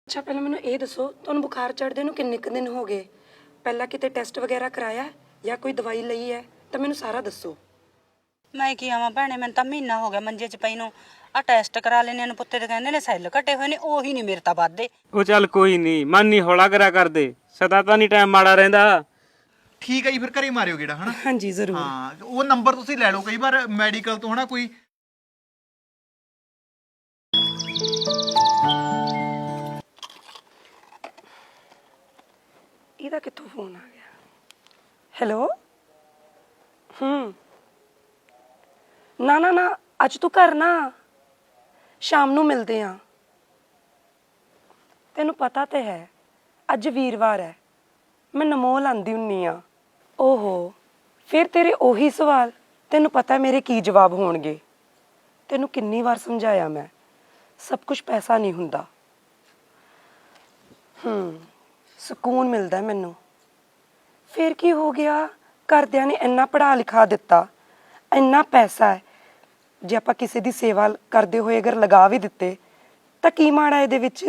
ਅੱਛਾ ਪਹਿਲਾਂ ਮੈਨੂੰ ਇਹ ਦੱਸੋ ਤੁਹਾਨੂੰ ਬੁਖਾਰ ਚੜ੍ਹਦੇ ਨੂੰ ਕਿੰਨੇ ਕੁ ਦਿਨ ਹੋ ਗਏ? ਪਹਿਲਾਂ ਕਿਤੇ ਟੈਸਟ ਵਗੈਰਾ ਕਰਾਇਆ ਜਾਂ ਕੋਈ ਦਵਾਈ ਲਈ ਹੈ ਤਾਂ ਮੈਨੂੰ ਸਾਰਾ ਦੱਸੋ। ਮੈਂ ਕੀ ਆਵਾਂ ਭੈਣੇ, ਮੈਨੂੰ ਤਾਂ ਮਹੀਨਾ ਹੋ ਗਿਆ ਮੰਜੇ 'ਚ ਪਈ ਨੂੰ। ਆ ਟੈਸਟ ਕਰਾ ਲੈਣੇ ਨੂੰ ਪੁੱਤੇ ਤੇ ਕਹਿੰਦੇ ਨੇ ਸੈੱਲ ਘਟੇ ਹੋਏ ਨੇ, ਉਹੀ ਨਹੀਂ ਮੇਰੇ ਤਾਂ ਵੱਧਦੇ। ਉਹ ਚੱਲ ਕੋਈ ਨਹੀਂ, ਮਨ ਨਹੀਂ ਹੌਲਾ ਕਰਿਆ ਕਰਦੇ, ਸਦਾ ਤਾਂ ਨਹੀਂ ਟਾਈਮ ਮਾੜਾ ਰਹਿੰਦਾ। ਠੀਕ ਹੈ ਜੀ, ਫਿਰ ਘਰੇ ਮਾਰਿਓ ਗੇੜਾ ਹਨਾ। ਹਾਂਜੀ ਜ਼ਰੂਰ। ਹਾਂ ਉਹ ਨੰਬਰ ਤੁਸੀਂ ਲੈ ਲਓ, ਕਈ ਵਾਰ ਮੈਡੀਕਲ ਤੋਂ ਹਨਾ ਕੋਈ ਇਹਦਾ ਕਿੱਥੋਂ ਫੋਨ ਆ ਗਿਆ? ਹੈਲੋ। ਨਾ ਨਾ ਨਾ ਅੱਜ ਤੂੰ ਘਰ ਨਾ, ਸ਼ਾਮ ਨੂੰ ਮਿਲਦੇ ਆ। ਤੈਨੂੰ ਪਤਾ ਤੇ ਹੈ ਅੱਜ ਵੀਰਵਾਰ ਹੈ, ਮੈਂ ਨਮੋਲ ਆਂਦੀ ਹੁੰਨੀ ਆ। ਓਹੋ ਫਿਰ ਤੇਰੇ ਉਹੀ ਸਵਾਲ, ਤੈਨੂੰ ਪਤਾ ਮੇਰੇ ਕੀ ਜਵਾਬ ਹੋਣਗੇ। ਤੈਨੂੰ ਕਿੰਨੀ ਵਾਰ ਸਮਝਾਇਆ ਮੈਂ, ਸਭ ਕੁਝ ਪੈਸਾ ਨਹੀਂ ਹੁੰਦਾ। ਸਕੂਨ ਮਿਲਦਾ ਮੈਨੂੰ। ਫਿਰ ਕੀ ਹੋ ਗਿਆ, ਘਰਦਿਆਂ ਨੇ ਇੰਨਾ ਪੜ੍ਹਾ ਲਿਖਾ ਦਿੱਤਾ, ਇੰਨਾ ਪੈਸਾ ਹੈ, ਜੇ ਆਪਾਂ ਕਿਸੇ ਦੀ ਸੇਵਾ ਕਰਦੇ ਹੋਏ ਅਗਰ ਲਗਾ ਵੀ ਦਿੱਤੇ ਤਾਂ ਕੀ ਮਾੜਾ ਇਹਦੇ ਵਿੱਚ?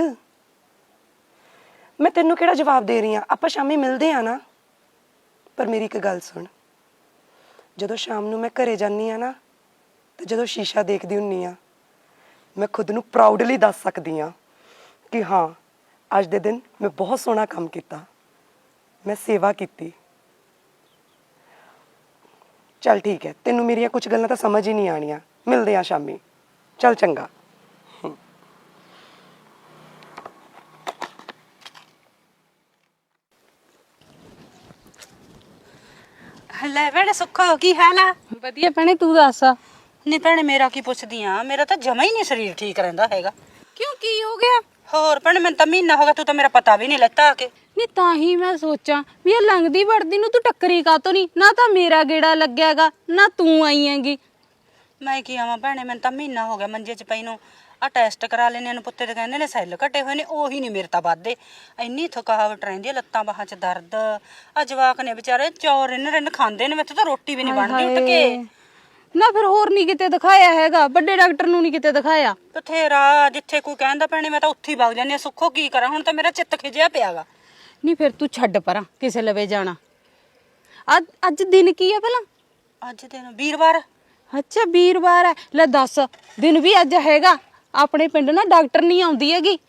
ਮੈਂ ਤੈਨੂੰ ਕਿਹੜਾ ਜਵਾਬ ਦੇ ਰਹੀ ਹਾਂ, ਆਪਾਂ ਸ਼ਾਮੀ ਮਿਲਦੇ ਆ ਨਾ। ਪਰ ਮੇਰੀ ਇੱਕ ਗੱਲ ਸੁਣ, ਜਦੋਂ ਸ਼ਾਮ ਨੂੰ ਮੈਂ ਘਰੇ ਜਾਂਦੀ ਆ ਨਾ, ਤੇ ਜਦੋਂ ਸ਼ੀਸ਼ਾ ਦੇਖਦੀ ਹੁੰਨੀ ਆ, ਮੈਂ ਖੁਦ ਨੂੰ ਪ੍ਰਾਊਡਲੀ ਦੱਸ ਸਕਦੀ ਹਾਂ ਕਿ ਹਾਂ ਅੱਜ ਦੇ ਦਿਨ ਮੈਂ ਬਹੁਤ ਸੋਹਣਾ ਕੰਮ ਕੀਤਾ, ਮੈਂ ਸੇਵਾ ਕੀਤੀ। ਚੱਲ ਠੀਕ ਹੈ, ਤੈਨੂੰ ਮੇਰੀਆਂ ਕੁਝ ਗੱਲਾਂ ਤਾਂ ਸਮਝ ਹੀ ਨਹੀਂ ਆਣੀਆਂ। ਮਿਲਦੇ ਆ ਸ਼ਾਮੀ, ਚੱਲ ਚੰਗਾ। ਲੈ ਭੈਣੇ ਸੁੱਖੋ, ਕੀ ਹਾਲ ਆ? ਵਧੀਆ ਭੈਣੇ, ਤੂੰ ਦੱਸ। ਨਹੀਂ ਭੈਣੇ ਮੇਰਾ ਕੀ ਪੁੱਛਦੀ ਆ, ਮੇਰਾ ਤਾਂ ਜਮਾ ਹੀ ਨਹੀਂ ਸਰੀਰ ਠੀਕ ਰਹਿੰਦਾ ਹੈਗਾ। ਕਿਉਂ, ਕੀ ਹੋ ਗਿਆ? ਹੋਰ ਭੈਣੇ ਮੈਨੂੰ ਤਾਂ ਮਹੀਨਾ ਹੋ ਗਿਆ, ਤੂੰ ਤਾਂ ਮੇਰਾ ਪਤਾ ਵੀ ਨਹੀਂ ਲੈਤਾ ਆ ਕੇ। ਨਹੀਂ ਤਾਂ ਹੀ ਮੈਂ ਸੋਚਾਂ ਵੀ ਇਹ ਲੰਘਦੀ ਵੜਦੀ ਨੂੰ ਤੂੰ ਟੱਕਰੀ ਕਾਤੋਂ ਨਹੀਂ, ਨਾ ਤਾਂ ਮੇਰਾ ਗੇੜਾ ਲੱਗਿਆਗਾ ਨਾ ਤੂੰ ਆਈ ਹੈਗੀ। ਮੈਂ ਕੀ ਆਵਾਂ ਭੈਣੇ, ਮੈਨੂੰ ਤਾਂ ਮਹੀਨਾ ਹੋ ਗਿਆ ਮੰਜੇ 'ਚ ਪਈ ਨੂੰ। ਆ ਟੈਸਟ ਕਰਾ ਲੈਣੇ ਨੂੰ ਪੁੱਤੇ ਤੇ ਕਹਿੰਦੇ ਨੇ ਸੈੱਲ ਘਟੇ ਹੋਏ ਨੇ, ਉਹੀ ਨਹੀਂ ਮੇਰੇ ਤਾਂ ਵੱਧਦੇ। ਇੰਨੀ ਥਕਾਵਟ ਰਹਿੰਦੀ ਆ, ਲੱਤਾਂ ਬਾਹਾਂ 'ਚ ਦਰਦ। ਆ ਜਵਾਕ ਨੇ ਵਿਚਾਰੇ ਚੌਰ ਰਿੰਨ ਖਾਂਦੇ ਨੇ, ਮੈਥੋਂ ਤਾਂ ਰੋਟੀ ਵੀ ਨਹੀਂ ਬਣਦੀ ਉੱਠ ਕੇ। ਨਾ ਫਿਰ ਹੋਰ ਨਹੀਂ ਕਿਤੇ ਦਿਖਾਇਆ ਹੈਗਾ? ਵੱਡੇ ਡਾਕਟਰ ਨੂੰ ਨਹੀਂ ਕਿਤੇ ਦਿਖਾਇਆ? ਬਥੇਰਾ, ਜਿੱਥੇ ਕੋਈ ਕਹਿੰਦਾ ਭੈਣੇ ਮੈਂ ਤਾਂ ਉੱਥੇ ਹੀ ਵਗ ਜਾਂਦੀ ਆ। ਸੁੱਖੋ ਕੀ ਕਰਾਂ, ਹੁਣ ਤਾਂ ਮੇਰਾ ਚਿੱਤ ਖਿਜਿਆ ਪਿਆਗਾ। ਨਹੀਂ ਫਿਰ ਤੂੰ ਛੱਡ ਪਰਾਂ, ਕਿਸੇ ਲਵੇ ਜਾਣਾ। ਅੱਜ ਦਿਨ ਕੀ ਹੈ ਭਲਾ? ਅੱਜ ਦਿਨ ਵੀਰਵਾਰ। ਅੱਛਾ ਵੀਰਵਾਰ ਹੈ। ਲੈ ਦੱਸ, ਦਿਨ ਵੀ ਅੱਜ ਹੈਗਾ। ਆਪਣੇ ਪਿੰਡ ਨਾ ਡਾਕਟਰ ਨਹੀਂ ਆਉਂਦੀ ਹੈਗੀ।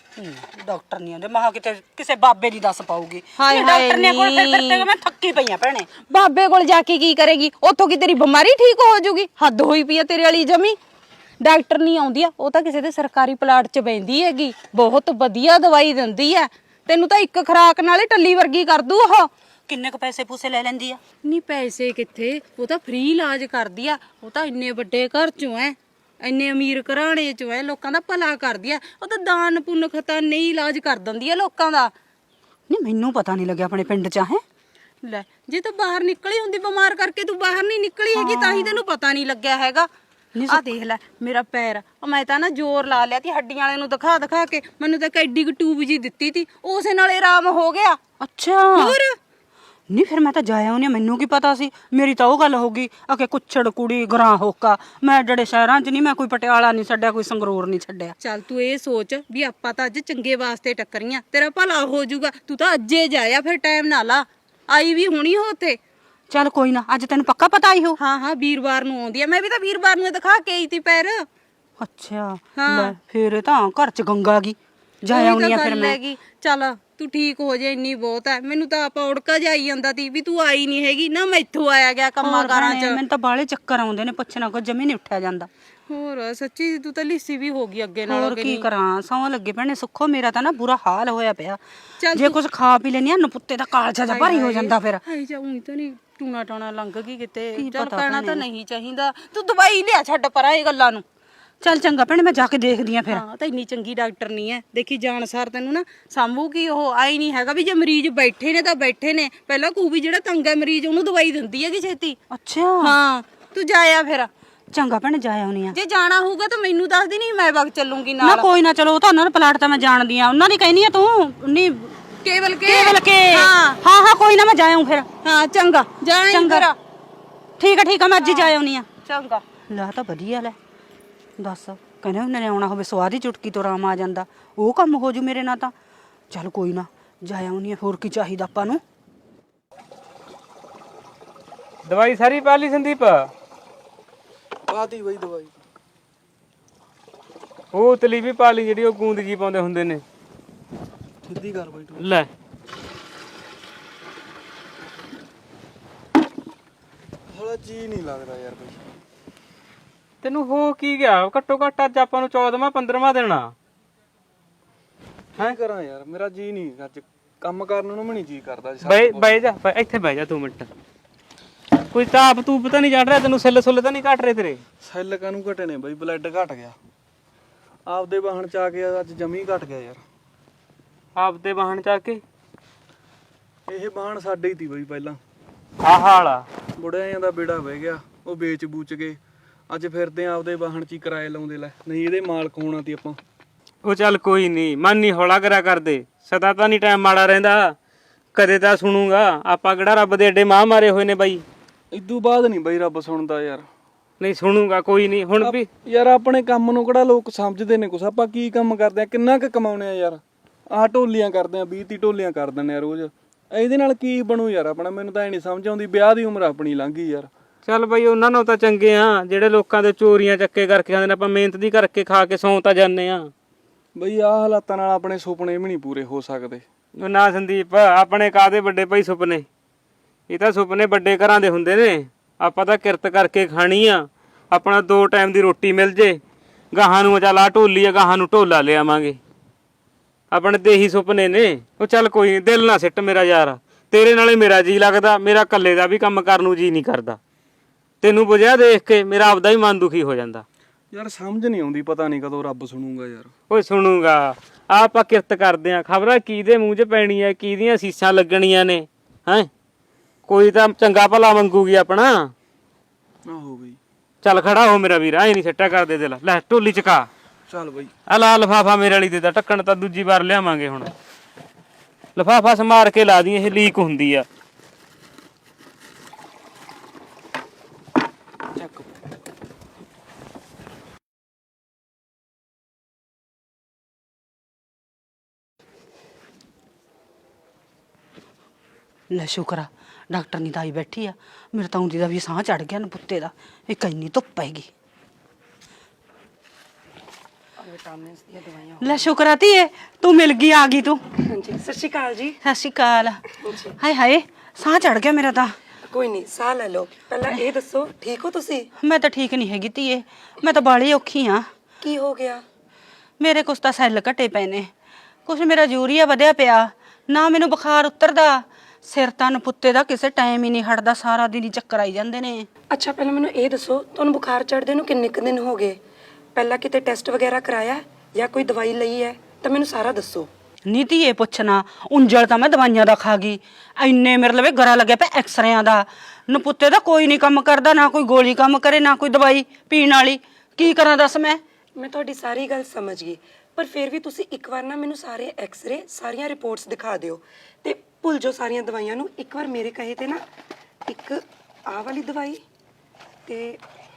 ਡਾਕਟਰ ਨਹੀਂ ਆਉਂਦੇ, ਮਹਾ ਕਿਤੇ ਕਿਸੇ ਬਾਬੇ ਦੀ ਦੱਸ ਪਾਉਗੀ। ਹਾਏ ਡਾਕਟਰ ਨੇ ਕੋਲ ਫਿਰ ਮੈਂ ਥੱਕੀ ਪਈ ਆ ਭੈਣੇ। ਬਾਬੇ ਕੋਲ ਜਾ ਕੇ ਕੀ ਕਰੇਗੀ? ਉੱਥੋਂ ਕੀ ਤੇਰੀ ਬਿਮਾਰੀ ਠੀਕ ਹੋ ਜਾਊਗੀ? ਹੱਦ ਹੋਈ ਪਈ ਆ ਤੇਰੇ ਵਾਲੀ ਜਮੀ। ਡਾਕਟਰ ਨਹੀਂ ਆਉਂਦੀ ਆ, ਉਹ ਤਾਂ ਕਿਸੇ ਦੇ ਸਰਕਾਰੀ ਪਲਾਟ 'ਚ ਬੈਂਦੀ ਹੈਗੀ, ਬਹੁਤ ਵਧੀਆ ਦਵਾਈ ਦਿੰਦੀ ਆ। ਤੈਨੂੰ ਤਾਂ ਇੱਕ ਖੁਰਾਕ ਨਾਲ ਹੀ ਟੱਲੀ ਵਰਗੀ ਕਰ ਦੂ ਉਹ। ਕਿੰਨੇ ਕੁ ਪੈਸੇ ਪੂਸੇ ਲੈ ਲੈਂਦੀ ਆ? ਨਹੀਂ ਪੈਸੇ ਕਿੱਥੇ, ਉਹ ਤਾਂ ਫ੍ਰੀ ਇਲਾਜ ਕਰਦੀ ਆ। ਉਹ ਤਾਂ ਇੰਨੇ ਵੱਡੇ ਘਰ 'ਚੋਂ ਐ, ਇੰਨੇ ਅਮੀਰ ਘਰਾਣੇ 'ਚੋਂ ਐ, ਲੋਕਾਂ ਦਾ ਭਲਾ ਕਰਦੀ ਆ। ਉਹ ਤਾਂ ਦਾਨ ਪੁੰਨ ਖਤਾ ਨਹੀਂ ਇਲਾਜ ਕਰ ਦਿੰਦੀ ਆ ਲੋਕਾਂ ਦਾ। ਨਹੀਂ ਮੈਨੂੰ ਪਤਾ ਨਹੀਂ ਲੱਗਿਆ ਆਪਣੇ ਪਿੰਡ 'ਚ ਹੈ। ਲੈ ਜੇ ਤੂੰ ਬਾਹਰ ਨਿਕਲੀ ਹੁੰਦੀ ਬਿਮਾਰ ਕਰਕੇ, ਤੂੰ ਬਾਹਰ ਨਹੀਂ ਨਿਕਲੀ ਹੈਗੀ ਤਾਂ ਹੀ ਤੈਨੂੰ ਪਤਾ ਨਹੀਂ ਲੱਗਿਆ ਹੈਗਾ। ਆ ਦੇਖ ਲੈ ਮੇਰਾ ਪੈਰ, ਮੈਂ ਤਾਂ ਨਾ ਜ਼ੋਰ ਲਾ ਲਿਆ ਤੀ ਹੱਡੀਆਂ ਵਾਲੇ ਨੂੰ ਦਿਖਾ ਦਿਖਾ ਕੇ। ਮੈਨੂੰ ਤਾਂ ਐਡੀ ਕੁ ਟੂਬ ਜੀ ਦਿੱਤੀ ਤੀ, ਉਸੇ ਨਾਲੇ ਆਰਾਮ ਹੋ ਗਿਆ। ਅੱਛਾ ਹੋਰ ਨਹੀਂ ਫਿਰ ਮੈਂ ਤਾਂ ਜਾਇਆ ਉਹਨੇ, ਮੈਨੂੰ ਕੀ ਪਤਾ ਸੀ। ਮੇਰੀ ਤਾਂ ਉਹ ਗੱਲ ਹੋ ਗਈ ਆ ਕਿ ਕੁੱਛੜ ਕੁੜੀ ਗਰਾਂ ਹੋਕਾ। ਮੈਂ ਜਿਹੜੇ ਸ਼ਹਿਰਾਂ 'ਚ ਨਹੀਂ, ਮੈਂ ਕੋਈ ਪਟਿਆਲਾ ਨਹੀਂ ਛੱਡਿਆ, ਕੋਈ ਸੰਗਰੂਰ ਨਹੀਂ ਛੱਡਿਆ। ਚੱਲ ਤੂੰ ਇਹ ਸੋਚ ਵੀ ਆਪਾਂ ਤਾਂ ਅੱਜ ਚੰਗੇ ਵਾਸਤੇ ਟੱਕਰੀਆਂ, ਤੇਰਾ ਭਲਾ ਹੋ ਜਾਊਗਾ। ਤੂੰ ਤਾਂ ਅੱਜੇ ਜਾਇਆ, ਫਿਰ ਟਾਈਮ ਨਾ ਲਾ। ਆਈ ਵੀ ਹੋਣੀ ਹੋ ਉੱਥੇ। ਚੱਲ ਕੋਈ ਨਾ, ਅੱਜ ਤੈਨੂੰ ਪੱਕਾ ਪਤਾ ਆਈ ਹੋ? ਹਾਂ ਵੀਰਵਾਰ ਨੂੰ ਆਉਂਦੀ ਆ। ਮੈਂ ਵੀ ਤਾਂ ਵੀਰਵਾਰ ਨੂੰ ਦਿਖਾ ਕੇ ਆਈ ਤੀ ਪੈਰ। ਅੱਛਾ ਹਾਂ। ਲੈ ਫਿਰ ਤਾਂ ਘਰ 'ਚ ਗੰਗਾ ਗਈ, ਜਾਇਆ ਆਉਣੀ ਆ ਫਿਰ ਮੈਂ। ਚੱਲ ਤੂੰ ਠੀਕ ਹੋ ਜਾ, ਇੰਨੀ ਬਹੁਤ ਹੈ। ਮੈਨੂੰ ਤਾਂ ਆਪਾਂ ਉੜਕਾ ਜਾਈ ਜਾਂਦਾ ਤੀ ਵੀ ਤੂੰ ਆਈ ਨਹੀਂ ਹੈਗੀ ਨਾ, ਮੈਥੋਂ ਆਇਆ ਗਿਆ ਕੰਮਾਂ ਕਾਰਾਂ 'ਚ। ਮੈਨੂੰ ਤਾਂ ਬਾਹਲੇ ਚੱਕਰ ਆਉਂਦੇ ਨੇ, ਪੁੱਛਣਾ ਕੋ ਜਮੀ ਨਹੀਂ ਉੱਠਿਆ ਜਾਂਦਾ। ਹੋਰ ਸੱਚੀ ਤੂੰ ਤਾਂ ਲਿੱਸੀ ਵੀ ਹੋ ਗਈ ਅੱਗੇ ਨਾਲੋਂ। ਹੋਰ ਕੀ ਕਰਾਂ, ਸੌਂ ਲੱਗੇ ਭੈਣੇ। ਸੁੱਖੋ ਮੇਰਾ ਤਾਂ ਨਾ ਬੁਰਾ ਹਾਲ ਹੋਇਆ ਪਿਆ। ਚੱਲ ਜੇ ਕੁਝ ਖਾ ਪੀ ਲੈਣੀ ਆ, ਨਪੁੱਤੇ ਦਾ ਕਾਲਜਾ ਜਿਹਾ ਭਾਰੀ ਹੋ ਜਾਂਦਾ ਫਿਰ। ਹਾਏ ਜਾਉਂ ਤਾਂ ਨਹੀਂ ਟੂਣਾ ਟਾਣਾ ਲੰਘ ਗਈ ਕਿਤੇ। ਕੀ ਚੱਲ ਪਤਾ ਪੈਣਾ ਤਾਂ ਨਹੀਂ ਚਾਹੀਦਾ। ਤੂੰ ਦਵਾਈ ਲਿਆ, ਛੱਡ ਪਰਾਂ ਇਹ ਗੱਲਾਂ ਨੂੰ। ਚੱਲ ਚੰਗਾ ਭੈਣੇ, ਮੈਂ ਜਾ ਕੇ ਦੇਖਦੀ ਆ ਫਿਰ। ਹਾਂ ਤਾਂ ਇੰਨੀ ਚੰਗੀ ਡਾਕਟਰ ਨਹੀਂ ਹੈ, ਦੇਖੀ ਜਾਣ ਸਾਰ ਤੈਨੂੰ ਨਾ ਸਾਂਭੂਗੀ ਉਹ। ਆਈ ਨਹੀਂ ਹੈਗਾ ਵੀ ਜੇ ਮਰੀਜ਼ ਬੈਠੇ ਨੇ ਤਾਂ ਬੈਠੇ ਨੇ, ਪਹਿਲਾਂ ਕਹੂ ਵੀ ਜਿਹੜਾ ਤੰਗ ਹੈ ਮਰੀਜ਼ ਉਹਨੂੰ ਦਵਾਈ ਦਿੰਦੀ ਹੈਗੀ ਛੇਤੀ। ਅੱਛਾ ਹਾਂ ਤੂੰ ਜਾਇਆ ਫਿਰ। ਚੰਗਾ ਭੈਣੇ, ਜਾ ਆਉਣੀ ਆ। ਜੇ ਜਾਣਾ ਹੋਊਗਾ ਤਾਂ ਮੈਨੂੰ ਦੱਸ ਦੀ, ਨਹੀਂ ਮੈਂ ਵਗ ਚੱਲੂਗੀ ਨਾ ਨਾਲ। ਕੋਈ ਨਾ, ਚਲੋ ਉਹ ਤਾਂ ਉਹਨਾਂ ਦਾ ਪਲਾਟ ਤਾਂ ਮੈਂ ਜਾਣਦੀ ਆ, ਉਹਨਾਂ ਦੀ ਕਹਿਨੀ ਆ ਤੂੰ। ਨਹੀਂ ਕੇਵਲ ਕੇ ਹਾਂ ਹਾਂ ਕੋਈ ਨਾ, ਮੈਂ ਜਾ ਆਉਂ ਫਿਰ। ਹਾਂ ਚੰਗਾ ਜਾਏ ਫਿਰ। ਠੀਕ ਆ ਮੈਂ ਅੱਜ ਹੀ ਜਾ ਆਉਣੀ ਆ। ਚੰਗਾ। ਲੈ ਤਾਂ ਵਧੀਆ ਲੈ, ਦੱਸ ਕਹਿੰਦੇ ਉਹਨੇ ਆਉਣਾ ਹੋਵੇ ਸਵਾਦ ਹੀ ਚੁਟਕੀ ਤੋਂ ਆਰਾਮ ਆ ਜਾਂਦਾ, ਉਹ ਕੰਮ ਹੋ ਜੂ ਮੇਰੇ ਨਾਲ ਤਾਂ। ਚੱਲ ਕੋਈ ਨਾ, ਜਾ ਆਉਣੀ ਆ, ਹੋਰ ਕੀ ਚਾਹੀਦਾ ਆਪਾਂ ਨੂੰ। ਦਵਾਈ ਸਾਰੀ ਪਾ ਲਈ ਸੰਦੀਪ? ਪਾਤੀ ਬਈ ਦਵਾਈ। ਉਹ ਤਲੀ ਵੀ ਪਾ ਲਈ ਜਿਹੜੀ ਉਹ ਗੂੰਦ ਜੀ ਪਾਉਂਦੇ ਹੁੰਦੇ ਨੇ। ਸਿੱਧੀ ਕਰ ਬਈ ਤੂੰ। ਲੈ ਹਲਾ ਜੀ ਨਹੀਂ ਲੱਗਦਾ ਯਾਰ ਬਈ। ਤੈਨੂੰ ਹੋ ਕੀ ਗਿਆ? ਘੱਟੋ ਘੱਟ ਅੱਜ ਆਪਾਂ ਨੂੰ 14ਵਾਂ 15ਵਾਂ ਦੇਣਾ ਕੀ ਕਰਾਂ ਯਾਰ, ਮੇਰਾ ਜੀ ਨਹੀਂ ਅੱਜ ਕੰਮ ਕਰਨ ਨੂੰ ਵੀ ਨਹੀਂ ਜੀ ਕਰਦਾ ਜੀ। ਬਹਿ ਜਾ, ਇੱਥੇ ਬਹਿ ਜਾ 2 ਮਿੰਟ। ਕੋਈ ਤਾਪ ਤੂੰ ਪਤਾ ਨਹੀਂ ਚੜ ਰਿਹਾ ਤੈਨੂੰ? ਸੈੱਲ ਸੁੱਲ ਤਾਂ ਨਹੀਂ ਘਟ ਰਹੇ ਤੇਰੇ? ਸੈੱਲ ਕਾਨੂੰ ਘਟੇ ਨੇ ਬਈ, ਬਲੱਡ ਘਟ ਗਿਆ ਆਪਦੇ ਵਾਹਣ ਚ ਆ ਕੇ, ਅੱਜ ਜਮੀ ਘਟ ਗਿਆ ਯਾਰ। ਆਪਦੇ ਵਾਹਣ ਚ ਆ ਕੇ? ਇਹ ਵਾਹਣ ਸਾਡੇ ਹੀ ਤੀ ਬਈ ਪਹਿਲਾਂ। ਆਹ ਹਾਲਾ ਬੁੜਿਆਂ ਦਾ ਬੇੜਾ ਵਹਿ ਗਿਆ, ਉਹ ਵੇਚ ਬੂਚ ਕੇ ਅੱਜ ਫਿਰਦੇ ਆ ਆਪਦੇ ਵਾਹਣ ਚ ਹੀ ਕਿਰਾਏ ਲਾਉਂਦੇ। ਲੈ ਨਹੀਂ ਇਹਦੇ ਮਾਲਕ ਹੋਣਾ ਤੀ ਆਪਾਂ। ਉਹ ਚੱਲ ਕੋਈ ਨਹੀਂ, ਮਨ ਨਹੀਂ ਹੌਲਾ ਕਰਿਆ ਕਰਦੇ। ਸਦਾ ਤਾਂ ਨਹੀਂ ਟਾਈਮ ਮਾੜਾ ਰਹਿੰਦਾ, ਕਦੇ ਤਾਂ ਸੁਣੂਗਾ। ਆਪਾਂ ਕਿਹੜਾ ਰੱਬ ਦੇ ਏਡੇ ਮਾਂ ਮਾਰੇ ਹੋਏ ਨੇ ਬਾਈ? ਇਦੋਂ ਬਾਅਦ ਨਹੀਂ ਬਈ ਰੱਬ ਸੁਣਦਾ ਯਾਰ। ਨਹੀਂ ਸੁਣੂਗਾ ਕੋਈ ਨਹੀਂ। ਹੁਣ ਵੀ ਯਾਰ ਆਪਣੇ ਕੰਮ ਨੂੰ ਕਿਹੜਾ ਲੋਕ ਸਮਝਦੇ ਨੇ ਕੁਛ? ਆਪਾਂ ਕੀ ਕੰਮ ਕਰਦੇ ਆ, ਕਿੰਨਾ ਕੁ ਕਮਾਉਣੇ ਆ ਯਾਰ। ਆਹ ਢੋਲੀਆਂ ਕਰਦੇ ਆ, 20-30 ਢੋਲੀਆਂ ਕਰ ਦਿੰਦੇ ਆ ਰੋਜ਼। ਇਹਦੇ ਨਾਲ ਕੀ ਬਣੂ ਯਾਰ ਆਪਣਾ? ਮੈਨੂੰ ਤਾਂ ਇਹ ਨਹੀਂ ਸਮਝ ਆਉਂਦੀ। ਵਿਆਹ ਦੀ ਉਮਰ ਆਪਣੀ ਲੰਘ ਗਈ ਯਾਰ। ਚੱਲ ਬਾਈ ਉਹਨਾਂ ਨੂੰ ਤਾਂ ਚੰਗੇ ਆ ਜਿਹੜੇ ਲੋਕਾਂ ਦੇ ਚੋਰੀਆਂ ਚੱਕੇ ਕਰਕੇ ਖਾਂਦੇ ਨੇ। ਆਪਾਂ ਮਿਹਨਤ ਦੀ ਕਰਕੇ ਖਾ ਕੇ ਸੌਂ ਤਾਂ ਜਾਂਦੇ ਆ। ਬਈ ਆਹ ਹਾਲਾਤਾਂ ਨਾਲ ਆਪਣੇ ਸੁਪਨੇ ਵੀ ਨਹੀਂ ਪੂਰੇ ਹੋ ਸਕਦੇ। ਉਹ ਨਾ ਸੰਦੀਪ, ਆਪਣੇ ਕਾਹਦੇ ਵੱਡੇ ਭਾਈ ਸੁਪਨੇ? ਇਹ ਤਾਂ ਸੁਪਨੇ ਵੱਡੇ ਘਰਾਂ ਦੇ ਹੁੰਦੇ ਨੇ। ਆਪਾਂ ਤਾਂ ਕਿਰਤ ਕਰਕੇ ਖਾਣੀ ਆ। ਆਪਣਾ 2 ਟਾਈਮ ਦੀ ਰੋਟੀ ਮਿਲ ਜੇ, ਗਾਹਾਂ ਨੂੰ ਚੱਲ ਆ ਢੋਲੀ ਆ, ਗਾਹਾਂ ਨੂੰ ਢੋਲਾ ਲਿਆਵਾਂਗੇ। ਆਪਣੇ ਤੇ ਇਹੀ ਸੁਪਨੇ ਨੇ। ਉਹ ਚੱਲ ਕੋਈ ਨੀ, ਦਿਲ ਨਾ ਸਿੱਟ ਮੇਰਾ ਯਾਰ। ਤੇਰੇ ਨਾਲੇ ਮੇਰਾ ਜੀ ਲੱਗਦਾ, ਮੇਰਾ ਇਕੱਲੇ ਦਾ ਵੀ ਕੰਮ ਕਰਨ ਨੂੰ ਜੀ ਨਹੀਂ ਕਰਦਾ। ਤੈਨੂੰ ਬੁਝਿਆ ਦੇਖ ਕੇ ਮੇਰਾ ਆਪਦਾ ਹੀ ਮਨ ਦੁਖੀ ਹੋ ਜਾਂਦਾ। ਯਾਰ ਸਮਝ ਨਹੀਂ ਆਉਂਦੀ, ਪਤਾ ਨਹੀਂ ਕਦੋਂ ਰੱਬ ਸੁਣੂਗਾ ਯਾਰ। ਓਏ ਸੁਣੂਗਾ। ਆਪਾਂ ਕਿਰਤ ਕਰਦੇ ਆ, ਖਬਰਾਂ ਕਿਹਦੇ ਮੂੰਹ 'ਚ ਪੈਣੀ ਐ, ਕਿਹਦੀਆਂ ਸੀਸਾਂ ਲੱਗਣੀਆਂ ਨੇ। ਹੈਂ ਕੋਈ ਤਾਂ ਚੰਗਾ ਭਲਾ ਮੰਗੂਗੀ ਆਪਣਾ। ਆਹੋ ਬਈ। ਚੱਲ ਖੜਾ ਹੋ ਮੇਰਾ ਵੀਰ, ਐ ਨਹੀਂ ਸਿੱਟਾ ਕਰਦੇ ਦਿਲ। ਲੈ ਢੋਲੀ ਚਕਾ। ਚੱਲ ਬਈ। ਆ ਲਾ ਲਫਾਫਾ ਮੇਰੇ ਵਾਲੀ ਦੇ ਦਾ, ਢੱਕਣ ਤਾਂ ਦੂਜੀ ਵਾਰ ਲਿਆਵਾਂਗੇ। ਹੁਣ ਲਫਾਫਾ ਸਮਾਰ ਕੇ ਲਾ ਦੀ, ਇਹ ਲੀਕ ਹੁੰਦੀ ਆ। ਚੱਕ। ਲੈ ਸ਼ੁਕਰ ਆ ਡਾਕਟਰ ਨਹੀਂ ਤਾਂ ਆਈ ਬੈਠੀ ਆ। ਮੇਰੇ ਤਾਂ ਉਂਦੀ ਦਾ ਵੀ ਸਾਹ ਚੜ ਗਿਆ ਨਪੁੱਤੇ ਦਾ। ਇੱਕ ਇੰਨੀ ਧੁੱਪ ਹੈਗੀ। ਵਿਟਾਮਿਨਸ ਦੀਆਂ ਦਵਾਈਆਂ। ਲੈ ਸ਼ੁਕਰ ਆ ਧੀਏ, ਤੂੰ ਮਿਲ ਗਈ, ਆ ਗਈ ਤੂੰ। ਹਾਂਜੀ ਸਤਿ ਸ਼੍ਰੀ ਅਕਾਲ ਜੀ। ਸਤਿ ਸ਼੍ਰੀ ਅਕਾਲ। ਹਾਏ ਹਾਏ ਸਾਹ ਚੜ ਗਿਆ ਮੇਰਾ ਤਾਂ। ਕੋਈ ਨਹੀਂ, ਸਾਹ ਲੈ ਲਓ। ਪਹਿਲਾਂ ਇਹ ਦੱਸੋ, ਠੀਕ ਹੋ ਤੁਸੀਂ? ਮੈਂ ਤਾਂ ਠੀਕ ਨਹੀਂ ਹੈਗੀ ਧੀਏ, ਮੈਂ ਤਾਂ ਬਾਲੀ ਔਖੀ ਆ। ਕੀ ਹੋ ਗਿਆ? ਮੇਰੇ ਕੁਛ ਤਾਂ ਸੈੱਲ ਘਟੇ ਪਏ ਨੇ, ਕੁਛ ਮੇਰਾ ਯੂਰੀਆ ਵਧਿਆ ਪਿਆ, ਨਾ ਮੈਨੂੰ ਬੁਖਾਰ ਉਤਰਦਾ। ਸਿਰ ਤਾਂ ਨਪੁੱਤੇ ਦਾ ਕਿਸੇ ਟਾਈਮ ਹੀ ਨਹੀਂ ਹਟਦਾ, ਸਾਰਾ ਦਿਨ ਹੀ ਚੱਕਰ ਆਈ ਜਾਂਦੇ ਨੇ। ਅੱਛਾ ਪਹਿਲਾਂ ਮੈਨੂੰ ਇਹ ਦੱਸੋ, ਤੁਹਾਨੂੰ ਬੁਖਾਰ ਚੜ੍ਹਦੇ ਨੂੰ ਕਿੰਨੇ ਕੁ ਦਿਨ ਹੋ ਗਏ? ਪਹਿਲਾਂ ਕਿਤੇ ਟੈਸਟ ਵਗੈਰਾ ਕਰਾਇਆ ਜਾਂ ਕੋਈ ਦਵਾਈ ਲਈ ਹੈ? ਤਾਂ ਮੈਨੂੰ ਸਾਰਾ ਦੱਸੋ। ਨੀ ਧੀਏ ਪੁੱਛਣਾ, ਉਂਜਲ ਤਾਂ ਮੈਂ ਦਵਾਈਆਂ ਦਾ ਖਾ ਗਈ। ਇੰਨੇ ਮੇਰੇ ਲਵੇ ਗਰਾ ਲੱਗਿਆ ਪਿਆ ਐਕਸਰਿਆਂ ਦਾ। ਨਪੁੱਤੇ ਦਾ ਕੋਈ ਨਹੀਂ ਕੰਮ ਕਰਦਾ, ਨਾ ਕੋਈ ਗੋਲੀ ਕੰਮ ਕਰੇ, ਨਾ ਕੋਈ ਦਵਾਈ ਪੀਣ ਵਾਲੀ। ਕੀ ਕਰਾਂ ਦੱਸ ਮੈਂ ਤੁਹਾਡੀ ਸਾਰੀ ਗੱਲ ਸਮਝ ਗਈ, ਪਰ ਫਿਰ ਵੀ ਤੁਸੀਂ ਇੱਕ ਵਾਰ ਨਾ ਮੈਨੂੰ ਸਾਰੇ ਐਕਸਰੇ, ਸਾਰੀਆਂ ਰਿਪੋਰਟਸ ਦਿਖਾ ਦਿਓ ਤੇ ਭੁੱਲ ਜਾਓ ਸਾਰੀਆਂ ਦਵਾਈਆਂ ਨੂੰ। ਇੱਕ ਵਾਰ ਮੇਰੇ ਕਹੇ ਤੇ ਨਾ, ਇੱਕ ਆਹ ਵਾਲੀ ਦਵਾਈ ਤੇ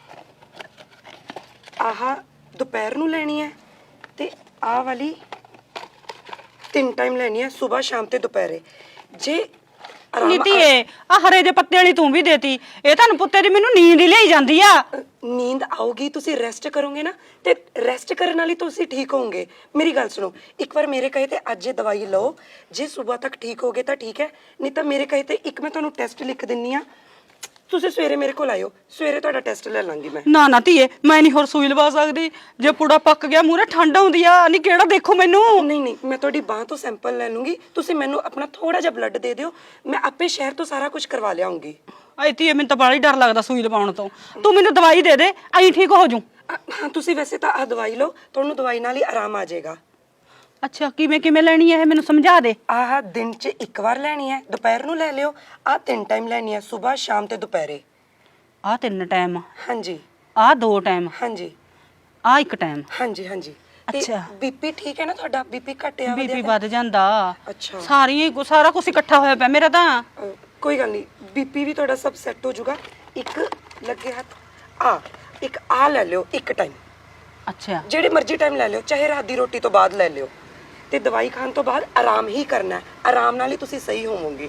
ਆਹ ਦੁਪਹਿਰ ਨੂੰ ਲੈਣੀ ਹੈ ਤੇ ਆਹ ਵਾਲੀ 3 ਟਾਈਮ ਲੈਣੀ ਹੈ, ਸਵੇਰ ਸ਼ਾਮ ਤੇ ਦੁਪਹਿਰੇ। ਜੇ ਨੀ ਧੀਏ ਆ ਹਰੇ ਦੇ ਪੱਤੇ ਵਾਲੀ ਤੂੰ ਵੀ ਦੇਤੀ, ਇਹ ਤਾਂ ਨਪੁੱਤੇ ਦੀ ਮੈਨੂੰ ਨੀਂਦ ਹੀ ਲਈ ਜਾਂਦੀ ਆ। ਨੀਂਦ ਆਊਗੀ, ਤੁਸੀਂ ਰੈਸਟ ਕਰੋਗੇ ਨਾ, ਤੇ ਰੈਸਟ ਕਰਨ ਨਾਲ ਹੀ ਤੁਸੀਂ ਠੀਕ ਹੋਵੋਗੇ। ਮੇਰੀ ਗੱਲ ਸੁਣੋ, ਇੱਕ ਵਾਰ ਮੇਰੇ ਕਹੇ ਤੇ ਅੱਜ ਇਹ ਦਵਾਈ ਲਓ। ਜੇ ਸਵੇਰ ਤੱਕ ਠੀਕ ਹੋਗੇ ਤਾਂ ਠੀਕ ਹੈ, ਨਹੀਂ ਤਾਂ ਮੇਰੇ ਕਹੇ ਤੇ ਇੱਕ ਮੈਂ ਤੁਹਾਨੂੰ ਟੈਸਟ ਲਿਖ ਦਿੰਨੀ ਆ। ਤੁਸੀਂ ਸਵੇਰੇ ਮੇਰੇ ਕੋਲ ਆਇਓ, ਸਵੇਰੇ ਤੁਹਾਡਾ ਟੈਸਟ ਲੈ ਲਾਂਗੀ ਮੈਂ। ਨਾ ਨਾ ਧੀਏ, ਮੈਂ ਨਹੀਂ ਹੋਰ ਸੂਈ ਲਵਾ ਸਕਦੀ। ਜੇ ਪੁੜਾ ਪੱਕ ਗਿਆ ਮੂਹਰੇ ਠੰਡ ਆਉਂਦੀ ਆ। ਨਹੀਂ ਕਿਹੜਾ ਦੇਖੋ ਮੈਨੂੰ। ਨਹੀਂ ਨਹੀਂ, ਮੈਂ ਤੁਹਾਡੀ ਬਾਹ ਤੋਂ ਸੈਂਪਲ ਲੈ ਲੂੰਗੀ। ਤੁਸੀਂ ਮੈਨੂੰ ਆਪਣਾ ਥੋੜਾ ਜਿਹਾ ਬਲੱਡ ਦੇ ਦਿਓ, ਮੈਂ ਆਪੇ ਸ਼ਹਿਰ ਤੋਂ ਸਾਰਾ ਕੁਝ ਕਰਵਾ ਲਿਆਉਂਗੀ। ਆਈ ਧੀਏ ਮੈਨੂੰ ਤਾਂ ਬੜਾ ਹੀ ਡਰ ਲੱਗਦਾ ਸੂਈ ਲਵਾਉਣ ਤੋਂ। ਤੂੰ ਮੈਨੂੰ ਦਵਾਈ ਦੇ ਦੇ, ਐਂ ਠੀਕ ਹੋ ਜੂ। ਹਾਂ ਤੁਸੀਂ ਵੈਸੇ ਤਾਂ ਆਹ ਦਵਾਈ ਲਓ, ਤੁਹਾਨੂੰ ਦਵਾਈ ਨਾਲ ਹੀ ਆਰਾਮ ਆ ਜਾਏਗਾ। ਅੱਛਾ ਕਿਵੇਂ ਕਿਵੇਂ ਲੈਣੀ ਹੈ ਇਹ ਮੈਨੂੰ ਸਮਝਾ ਦੇ। ਆਹ ਦਿਨ 'ਚ ਇੱਕ ਵਾਰ ਲੈਣੀ ਹੈ, ਦੁਪਹਿਰ ਨੂੰ ਲੈ ਲਿਓ। ਆਹ 3 ਟਾਈਮ ਲੈਣੀ ਹੈ, ਸਵੇਰ ਸ਼ਾਮ ਤੇ ਦੁਪਹਿਰੇ। ਆਹ 3 ਟਾਈਮ, ਹਾਂਜੀ ਆਹ 2 ਟਾਈਮ, ਹਾਂਜੀ ਆਹ 1 ਟਾਈਮ। ਹਾਂਜੀ ਹਾਂਜੀ। ਅੱਛਾ। ਬੀਪੀ ਠੀਕ ਹੈ ਨਾ ਤੁਹਾਡਾ? ਬੀਪੀ ਘਟਿਆ ਬੀਪੀ ਵੱਧ ਜਾਂਦਾ। ਅੱਛਾ। ਸਾਰਾ ਕੁਝ ਇਕੱਠਾ ਹੋਇਆ ਪਿਆ ਮੇਰਾ ਤਾਂ। ਕੋਈ ਗੱਲ ਨਹੀਂ, ਬੀਪੀ ਵੀ ਤੁਹਾਡਾ ਸਭ ਸੈੱਟ ਹੋ ਜਾਊਗਾ। ਇੱਕ ਲੱਗੇ ਹੱਥ ਇੱਕ ਆ ਲੈ ਲਿਓ 1 ਟਾਈਮ। ਅੱਛਾ ਜਿਹੜੇ ਮਰਜ਼ੀ ਟਾਈਮ ਲੈ ਲਿਓ, ਚਾਹੇ ਰਾਤ ਦੀ ਰੋਟੀ ਤੋਂ ਬਾਅਦ ਲੈ ਲਿਓ, ਤੇ ਦਵਾਈ ਖਾਣ ਤੋਂ ਬਾਅਦ ਆਰਾਮ ਹੀ ਕਰਨਾ ਹੈ। ਆਰਾਮ ਨਾਲ ਹੀ ਤੁਸੀਂ ਸਹੀ ਹੋਵੋਗੇ।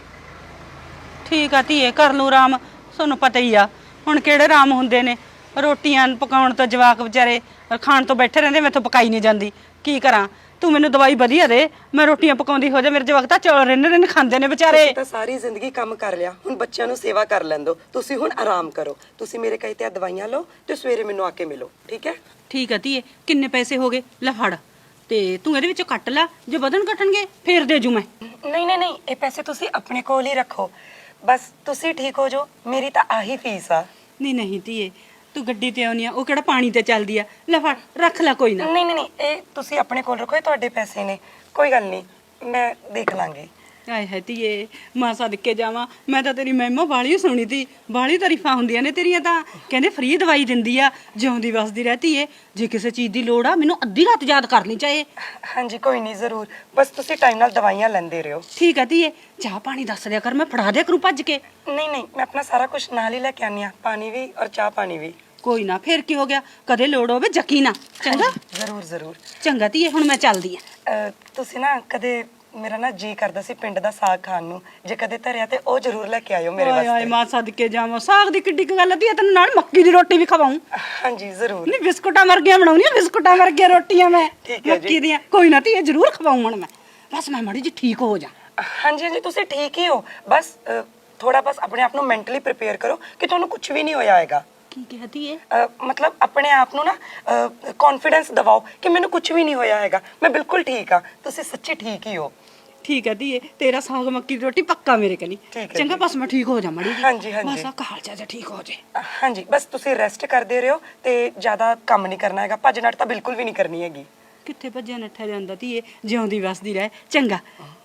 ਠੀਕ ਆ ਧੀਏ, ਕਰ ਲੂ ਆਰਾਮ। ਤੁਹਾਨੂੰ ਪਤਾ ਹੀ ਆ ਹੁਣ ਕਿਹੜੇ ਆਰਾਮ ਹੁੰਦੇ ਨੇ। ਰੋਟੀਆਂ ਪਕਾਉਣ ਤੋਂ ਜਵਾਕ ਵਿਚਾਰੇ ਖਾਣ ਤੋਂ ਬੈਠੇ ਰਹਿੰਦੇ, ਮੈਥੋਂ ਪਕਾਈ ਨਹੀਂ ਜਾਂਦੀ। ਕੀ ਕਰਾਂ? ਤੂੰ ਮੈਨੂੰ ਦਵਾਈ ਵਧੀਆ ਦੇ, ਮੈਂ ਰੋਟੀਆਂ ਪਕਾਉਂਦੀ ਹੋ ਜਾ। ਮੇਰੇ ਜਵਾਕ ਤਾਂ ਚੌਲ ਰਿੰਨ ਖਾਂਦੇ ਨੇ ਵਿਚਾਰੇ। ਤੁਸੀਂ ਤਾਂ ਸਾਰੀ ਜ਼ਿੰਦਗੀ ਕੰਮ ਕਰ ਲਿਆ, ਹੁਣ ਬੱਚਿਆਂ ਨੂੰ ਸੇਵਾ ਕਰ ਲੈਂਦੋ। ਤੁਸੀਂ ਹੁਣ ਆਰਾਮ ਕਰੋ। ਤੁਸੀਂ ਮੇਰੇ ਕਹੇ ਤੇ ਦਵਾਈਆਂ ਲਓ ਤੇ ਸਵੇਰੇ ਮੈਨੂੰ ਆ ਕੇ ਮਿਲੋ, ਠੀਕ ਹੈ? ਠੀਕ ਆ ਧੀਏ, ਕਿੰਨੇ ਪੈਸੇ ਹੋ ਗਏ? ਲੈ ਫੜ, ਤੇ ਤੂੰ ਇਹਦੇ ਵਿੱਚੋਂ ਕੱਟ ਲੈ। ਜੇ ਵਧਣ ਘਟਣਗੇ ਫੇਰ ਦੇ ਜੂ ਮੈਂ। ਨਹੀਂ, ਇਹ ਪੈਸੇ ਤੁਸੀਂ ਆਪਣੇ ਕੋਲ ਹੀ ਰੱਖੋ। ਬਸ ਤੁਸੀਂ ਠੀਕ ਹੋ ਜਾਓ, ਮੇਰੀ ਤਾਂ ਆਹੀ ਫੀਸ ਆ। ਨਹੀਂ ਧੀਏ, ਤੂੰ ਗੱਡੀ ਤੇ ਆਉਣੀ ਆ, ਉਹ ਕਿਹੜਾ ਪਾਣੀ ਤੇ ਚੱਲਦੀ ਆ। ਲੈ ਫੜ, ਰੱਖ ਲੈ, ਕੋਈ ਨਾ। ਨਹੀਂ, ਇਹ ਤੁਸੀਂ ਆਪਣੇ ਕੋਲ ਰੱਖੋ, ਇਹ ਤੁਹਾਡੇ ਪੈਸੇ ਨੇ। ਕੋਈ ਗੱਲ ਨਹੀਂ, ਮੈਂ ਦੇਖ ਲਾਂਗੀ। ਆਏ ਹੈ ਧੀਏ, ਮਾਂ ਸਦਕੇ ਜਾਵਾਂ। ਮੈਂ ਤਾਂ ਤੇਰੀ ਮਹਿਮਾ ਬਾਲੀ ਸੁਣੀ ਤੀ, ਬਾਲੀ ਤਾਰੀਫਾਂ ਹੁੰਦੀਆਂ ਨੇ ਤੇਰੀਆਂ ਤਾਂ। ਕਹਿੰਦੇ ਫ੍ਰੀ ਦਵਾਈ ਦਿੰਦੀ ਆ, ਜਿਉਂਦੀ ਵਸਦੀ ਰਹਤੀ ਏ। ਜੇ ਕਿਸੇ ਚੀਜ਼ ਦੀ ਲੋੜ ਆ ਮੈਨੂੰ ਅੱਧੀ ਰਾਤ ਯਾਦ ਕਰਨੀ ਚਾਹੀਏ। ਹਾਂਜੀ ਕੋਈ ਨਹੀਂ, ਜ਼ਰੂਰ। ਬਸ ਤੁਸੀਂ ਟਾਈਮ ਨਾਲ ਦਵਾਈਆਂ ਲੈਂਦੇ ਰਹੋ। ਠੀਕ ਆ ਧੀਏ, ਚਾਹ ਪਾਣੀ ਦੱਸ ਦਿਆ ਕਰ, ਮੈਂ ਫੜਾ ਦਿਆ ਕਰੂੰ ਭੱਜ ਕੇ। ਨਹੀਂ, ਮੈਂ ਆਪਣਾ ਸਾਰਾ ਕੁਝ ਨਾਲ ਹੀ ਲੈ ਕੇ ਆਨੀ ਆ, ਪਾਣੀ ਵੀ ਔਰ ਚਾਹ ਪਾਣੀ ਵੀ। ਕੋਈ ਨਾ, ਫੇਰ ਕੀ ਹੋ ਗਿਆ? ਕਦੇ ਲੋੜ ਹੋਵੇ ਜੱਕੀ ਨਾ। ਚੰਗਾ ਜ਼ਰੂਰ। ਚੰਗਾ ਧੀਏ, ਹੁਣ ਮੈਂ ਚੱਲਦੀ ਆ। ਤੁਸੀਂ ਨਾ ਕਦੇ, ਮੇਰਾ ਨਾ ਜੀ ਕਰਦਾ ਸੀ ਪਿੰਡ ਦਾ ਸਾਗ ਖਾਣ ਨੂੰ, ਜੇ ਕਦੇ ਧਰਿਆ ਤੇ ਉਹ ਜ਼ਰੂਰ ਲੈ ਕੇ ਆਇਓ ਮੇਰੇ ਆਏ ਵਾਸਤੇ। ਮਾਂ ਸਦਕੇ ਜਾਵਾਂ, ਸਾਗ ਦੀ ਕਿੱਡੀ ਕੁ ਗੱਲ ਆ ਧੀਏ, ਤੈਨੂੰ ਨਾਲ ਮੱਕੀ ਦੀ ਰੋਟੀ ਵੀ ਖਵਾਉਂ। ਹਾਂਜੀ ਜ਼ਰੂਰ। ਨਹੀਂ, ਬਿਸਕੁਟਾਂ ਵਰਗੀਆਂ ਬਣਾਉਣੀਆਂ, ਬਿਸਕੁਟਾਂ ਵਰਗੀਆਂ ਰੋਟੀਆਂ ਮੈਂ ਠੀਕ ਹੈ ਜੀ। ਮੱਕੀ ਦੀਆਂ। ਕੋਈ ਨਾ ਧੀਏ, ਜ਼ਰੂਰ ਖਵਾਉਂ ਹੁਣ ਮੈਂ। ਬਸ ਮੈਂ ਮਾੜੀ ਜੀ ਠੀਕ ਹੋ ਜਾ। ਹਾਂਜੀ ਤੁਸੀਂ ਠੀਕ ਹੀ ਹੋ। ਬਸ ਥੋੜਾ ਬਸ ਆਪਣੇ ਆਪ ਨੂੰ ਮੈਂਟਲੀ ਪ੍ਰਿਪੇਅਰ ਕਰੋ ਕਿ ਤੁਹਾਨੂੰ ਕੁਝ ਵੀ ਨਹੀਂ ਹੋਇਆ ਹੈਗਾ। ਕੀ ਕਹਤੀ ਏ? ਮਤਲਬ ਆਪਣੇ ਆਪ ਨੂੰ ਨਾ ਕੌਨਫੀਡੈਂਸ ਦਿਵਾਓ ਕਿ ਮੈਨੂੰ ਕੁਝ ਵੀ ਨਹੀਂ ਹੋਇਆ ਹੈਗਾ, ਮੈਂ ਬਿਲਕੁਲ ਠੀਕ ਆ। ਤੁਸੀਂ ਸੱਚੀ ਠੀਕ ਹੀ ਹੋ। ਠੀਕ ਹੈ ਧੀਏ, ਤੇਰਾ ਸਾਗ ਮੱਕੀ ਦੀ ਰੋਟੀ ਪੱਕਾ ਮੇਰੇ ਕਨੀ। ਠੀਕ ਹੈ ਚੰਗਾ, ਬਸ ਮੈਂ ਠੀਕ ਹੋ ਜਾ ਮਾੜੀ ਜੀ। ਹਾਂਜੀ। ਬਸ ਆ ਕਾਲਜਾ ਜਾ ਠੀਕ ਹੋ ਜੇ। ਹਾਂਜੀ ਬਸ ਤੁਸੀਂ ਰੈਸਟ ਕਰਦੇ ਰਹੋ ਤੇ ਜ਼ਿਆਦਾ ਕੰਮ ਨਹੀਂ ਕਰਨਾ ਹੈਗਾ। ਭੱਜ ਨੱਠ ਤਾਂ ਬਿਲਕੁਲ ਵੀ ਨਹੀਂ ਕਰਨੀ ਹੈਗੀ। ਕਿੱਥੇ ਭੱਜਿਆ ਨੱਠਿਆ ਜਾਂਦਾ ਧੀਏ, ਜਿਉਂਦੀ ਵਸਦੀ ਰਹਿ। ਚੰਗਾ।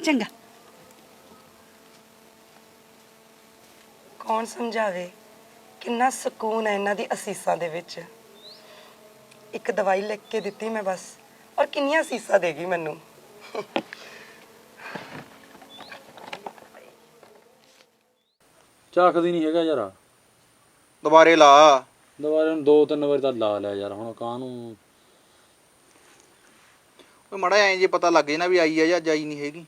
ਕੌਣ ਸਮਝਾਵੇ ਕਿੰਨਾ ਸਕੂਨ ਹੈ ਇਹਨਾਂ ਦੀ ਅਸੀਸਾਂ ਦੇ ਵਿੱਚ। ਇੱਕ ਦਵਾਈ ਲਿਖ ਕੇ ਦਿੱਤੀ ਮੈਂ ਬਸ, ਔਰ ਕਿੰਨੀਆਂ ਅਸੀਸਾਂ ਦੇਗੀ ਮੈਨੂੰ। ਚੱਕਦੀ ਨਹੀਂ ਹੈਗਾ ਯਾਰ। ਦੁਬਾਰੇ ਲਾ। ਦੁਬਾਰੇ ਨੂੰ 2-3 ਵਾਰੀ ਤਾਂ ਲਾ ਲਿਆ ਯਾਰ, ਹੁਣ ਕਾਹਨੂੰ। ਓਏ ਮੜਾ ਐਂ ਜੇ ਪਤਾ ਲੱਗ ਜੇ ਨਾ ਵੀ ਆਈ ਆ ਜਾਂ ਜਾਈ ਨਹੀਂ ਹੈਗੀ।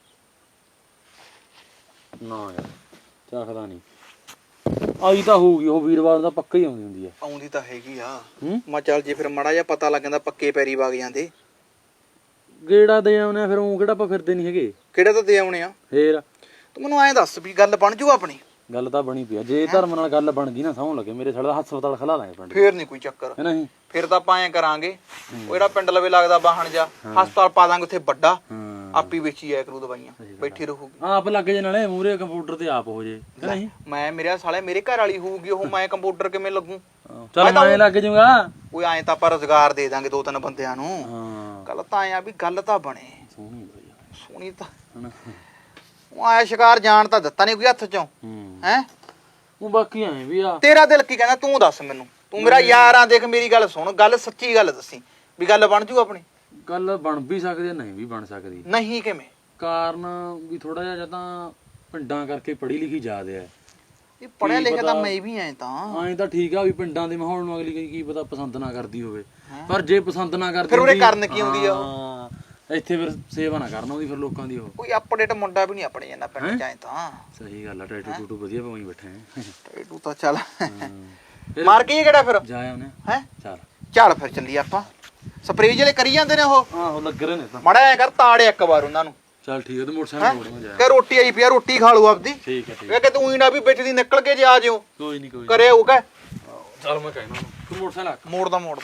ਨਾ ਯਾਰ, ਚੱਕਦਾ ਨਹੀਂ। ਆਈ ਤਾਂ ਹੋਊਗੀ, ਉਹ ਵੀਰਵਾਰ ਦਾ ਪੱਕਾ ਹੀ ਆਉਂਦੀ ਹੁੰਦੀ ਆ। ਆਉਂਦੀ ਤਾਂ ਹੈਗੀ ਆ। ਹੂੰ? ਮੈਂ ਚੱਲ ਜੇ ਫਿਰ ਮੜਾ ਜਿਹਾ ਪਤਾ ਲੱਗ ਜਾਂਦਾ ਪੱਕੇ ਪੈਰੀ ਵਗ ਜਾਂਦੇ। ਗੇੜਾ ਦੇ ਆਉਨੇ ਆ ਫਿਰ, ਉਹ ਕਿਹੜਾ ਆਪਾਂ ਫਿਰਦੇ ਨਹੀਂ ਹੈਗੇ। ਕਿਹੜੇ ਤਾਂ ਦੇ ਆਉਣੇ ਆ। ਫੇਰ ਤੂੰ ਮੈਨੂੰ ਐਂ ਦੱਸ ਵੀ ਗੱਲ ਬਣ ਜੂ ਆਪਣੀ? ਗੱਲ ਤਾਂ ਬਣੀ ਪਈ ਆ। ਜੇ ਧਰਮ ਨਾਲ ਗੱਲ ਬਣ ਗਈ ਨਾ, ਸਹੁੰ ਲੱਗੇ ਮੇਰੇ ਸਾਲੇ ਦਾ ਹਸਪਤਾਲ ਖਲਾ ਲਾਂਗੇ ਪਿੰਡ। ਫੇਰ ਨਹੀਂ ਕੋਈ ਚੱਕਰ। ਹੈ ਨਹੀਂ? ਫਿਰ ਤਾਂ ਆਪਾਂ ਐਂ ਕਰਾਂਗੇ, ਉਹ ਜਿਹੜਾ ਪਿੰਡ ਲਵੇ ਲੱਗਦਾ ਬਾਹਣ ਜਾ, ਹਸਪਤਾਲ ਪਾ ਦਾਂਗੇ ਉੱਥੇ ਵੱਡਾ। ਹਾਂ, ਆਪੀ ਵੇਚੀ ਆਇਆ ਕਰੂ ਦਵਾਈਆਂ, ਬੈਠੀ ਰਹੂਗੀ। ਆਪ ਲੱਗ ਜੇ ਨਾਲੇ ਮੂਰੇ ਕੰਪਿਊਟਰ ਤੇ ਆਪ ਹੋ ਜੇ। ਹੈ ਨਹੀਂ? ਮੈਂ ਮੇਰੇ ਸਾਲੇ ਮੇਰੇ ਘਰ ਵਾਲੀ ਹੋਊਗੀ ਉਹ, ਮੈਂ ਕੰਪਿਊਟਰ ਕਿਵੇਂ ਲੱਗੂ? ਚੱਲ ਮੈਂ ਲੱਗ ਜਾਊਗਾ। ਓਏ ਐਂ ਤਾਂ ਆਪਾਂ ਰੁਜ਼ਗਾਰ ਦੇ ਦਾਂਗੇ 2-3 ਬੰਦਿਆਂ ਨੂੰ। ਹਾਂ, ਗੱਲ ਤਾਂ ਐਂ ਆ ਵੀ ਗੱਲ ਤਾਂ ਬਣੇ। ਸੋਹਣੀ ਬਈ। ਸੋਹਣੀ ਤਾਂ ਉਹ ਆਇਆ ਸ਼ਿਕਾਰ ਜਾਣ ਤਾਂ ਦਿੱਤਾ ਨਹੀਂ ਕੋਈ ਹੱਥ ਚੋਂ। ਹੈ ਉਹ ਬਾਕੀ ਐ ਵੀ ਆ। ਤੇਰਾ ਦਿਲ ਕੀ ਕਹਿੰਦਾ ਤੂੰ ਦੱਸ ਮੈਨੂੰ। ਤੂੰ ਮੇਰਾ ਯਾਰ ਆ, ਦੇਖ ਮੇਰੀ ਗੱਲ ਸੁਣ, ਗੱਲ ਸੱਚੀ ਗੱਲ ਦੱਸੀ ਵੀ ਗੱਲ ਬਣ ਜੂ ਆਪਣੀ। ਗੱਲ ਬਣ ਵੀ ਸਕਦੀ, ਨਹੀਂ ਵੀ ਬਣ ਸਕਦੀ। ਨਹੀਂ ਕਿਵੇਂ? ਕਾਰਨ ਵੀ ਥੋੜਾ ਜਿਹਾ ਜਾਂ ਤਾਂ ਪਿੰਡਾਂ ਕਰਕੇ ਪੜ੍ਹੀ ਲਿਖੀ ਜ਼ਿਆਦੇ ਆ। ਇਹ ਪੜਿਆ ਲਿਖਿਆ ਤਾਂ ਮੈਂ ਵੀ ਐ ਤਾਂ। ਐਂ ਤਾਂ ਠੀਕ ਆ ਵੀ ਪਿੰਡਾਂ ਦੇ ਮਾਹੌਲ ਨੂੰ ਅਗਲੀ ਕੀ ਪਤਾ ਪਸੰਦ ਨਾ ਕਰਦੀ ਹੋਵੇ, ਪਰ ਜੇ ਪਸੰਦ ਨਾ ਕਰਦੀ ਫਿਰ ਉਰੇ ਹੁੰਦੀ- ਕਰਨ ਕੀ ਆਉਂਦੀ ਆ ਉਹ? ਹਾਂ, ਇੱਥੇ ਫਿਰ ਸੇਵਾ ਨਾ ਕਰਨ ਆਉਂਦੀ ਫਿਰ ਲੋਕਾਂ ਦੀ ਉਹ। ਕੋਈ ਅਪਡੇਟ ਮੁੰਡਾ ਵੀ ਨਹੀਂ ਆਪਣੇ ਜਾਂਦਾ ਪਿੰਡ ਚ ਐ ਤਾਂ। ਸਹੀ ਗੱਲ ਆ, ਟੈਟੂ ਟੂਟੂ ਵਧੀਆ ਪਵਾਈ ਬੈਠੇ ਆ। ਤੂੰ ਤਾਂ ਚੱਲ ਫਿਰ ਮਾਰ ਕੇ ਕਿਹੜਾ ਫਿਰ ਜਾ ਆਉਨੇ ਹੈ। ਚੱਲ। ਚੱਲ ਫਿਰ ਚੱਲੀ ਆਪਾਂ। ਸਪਰੇਅ ਜਿਹੜੇ ਕਰੀ ਜਾਂਦੇ ਨੇ ਉਹ। ਆਹੋ ਲੱਗ ਰਹੇ ਨੇ ਤਾਂ। ਮੜਾ ਐ ਕਰ ਤਾੜੇ ਇੱਕ ਵਾਰ ਉਹਨਾਂ ਨੂੰ। ਚੱਲ ਠੀਕ ਹੈ, ਤੇ ਮੋਟਰਸਾਈਕਲ ਮੋੜਨਾ ਜਾ। ਕਿ ਰੋਟੀ ਆਈ ਪਿਆ, ਰੋਟੀ ਖਾ ਲੂ ਆਪਦੀ। ਠੀਕ ਹੈ ਠੀਕ ਵੇ ਕਿ ਤੂੰ ਹੀ ਨਾ ਵੀ ਵਿੱਚ ਦੀ ਨਿਕਲ ਕੇ ਜੇ ਆ ਜਿਓ। ਕੋਈ ਨਹੀਂ ਕੋਈ ਕਰੇ ਉਹ ਕਹਿ ਚੱਲ ਮੈਂ ਕਹਿਣਾ ਤੂੰ ਮੋਟਰਸਾਈਕਲ ਮੋੜਦਾ ਮੈਂ।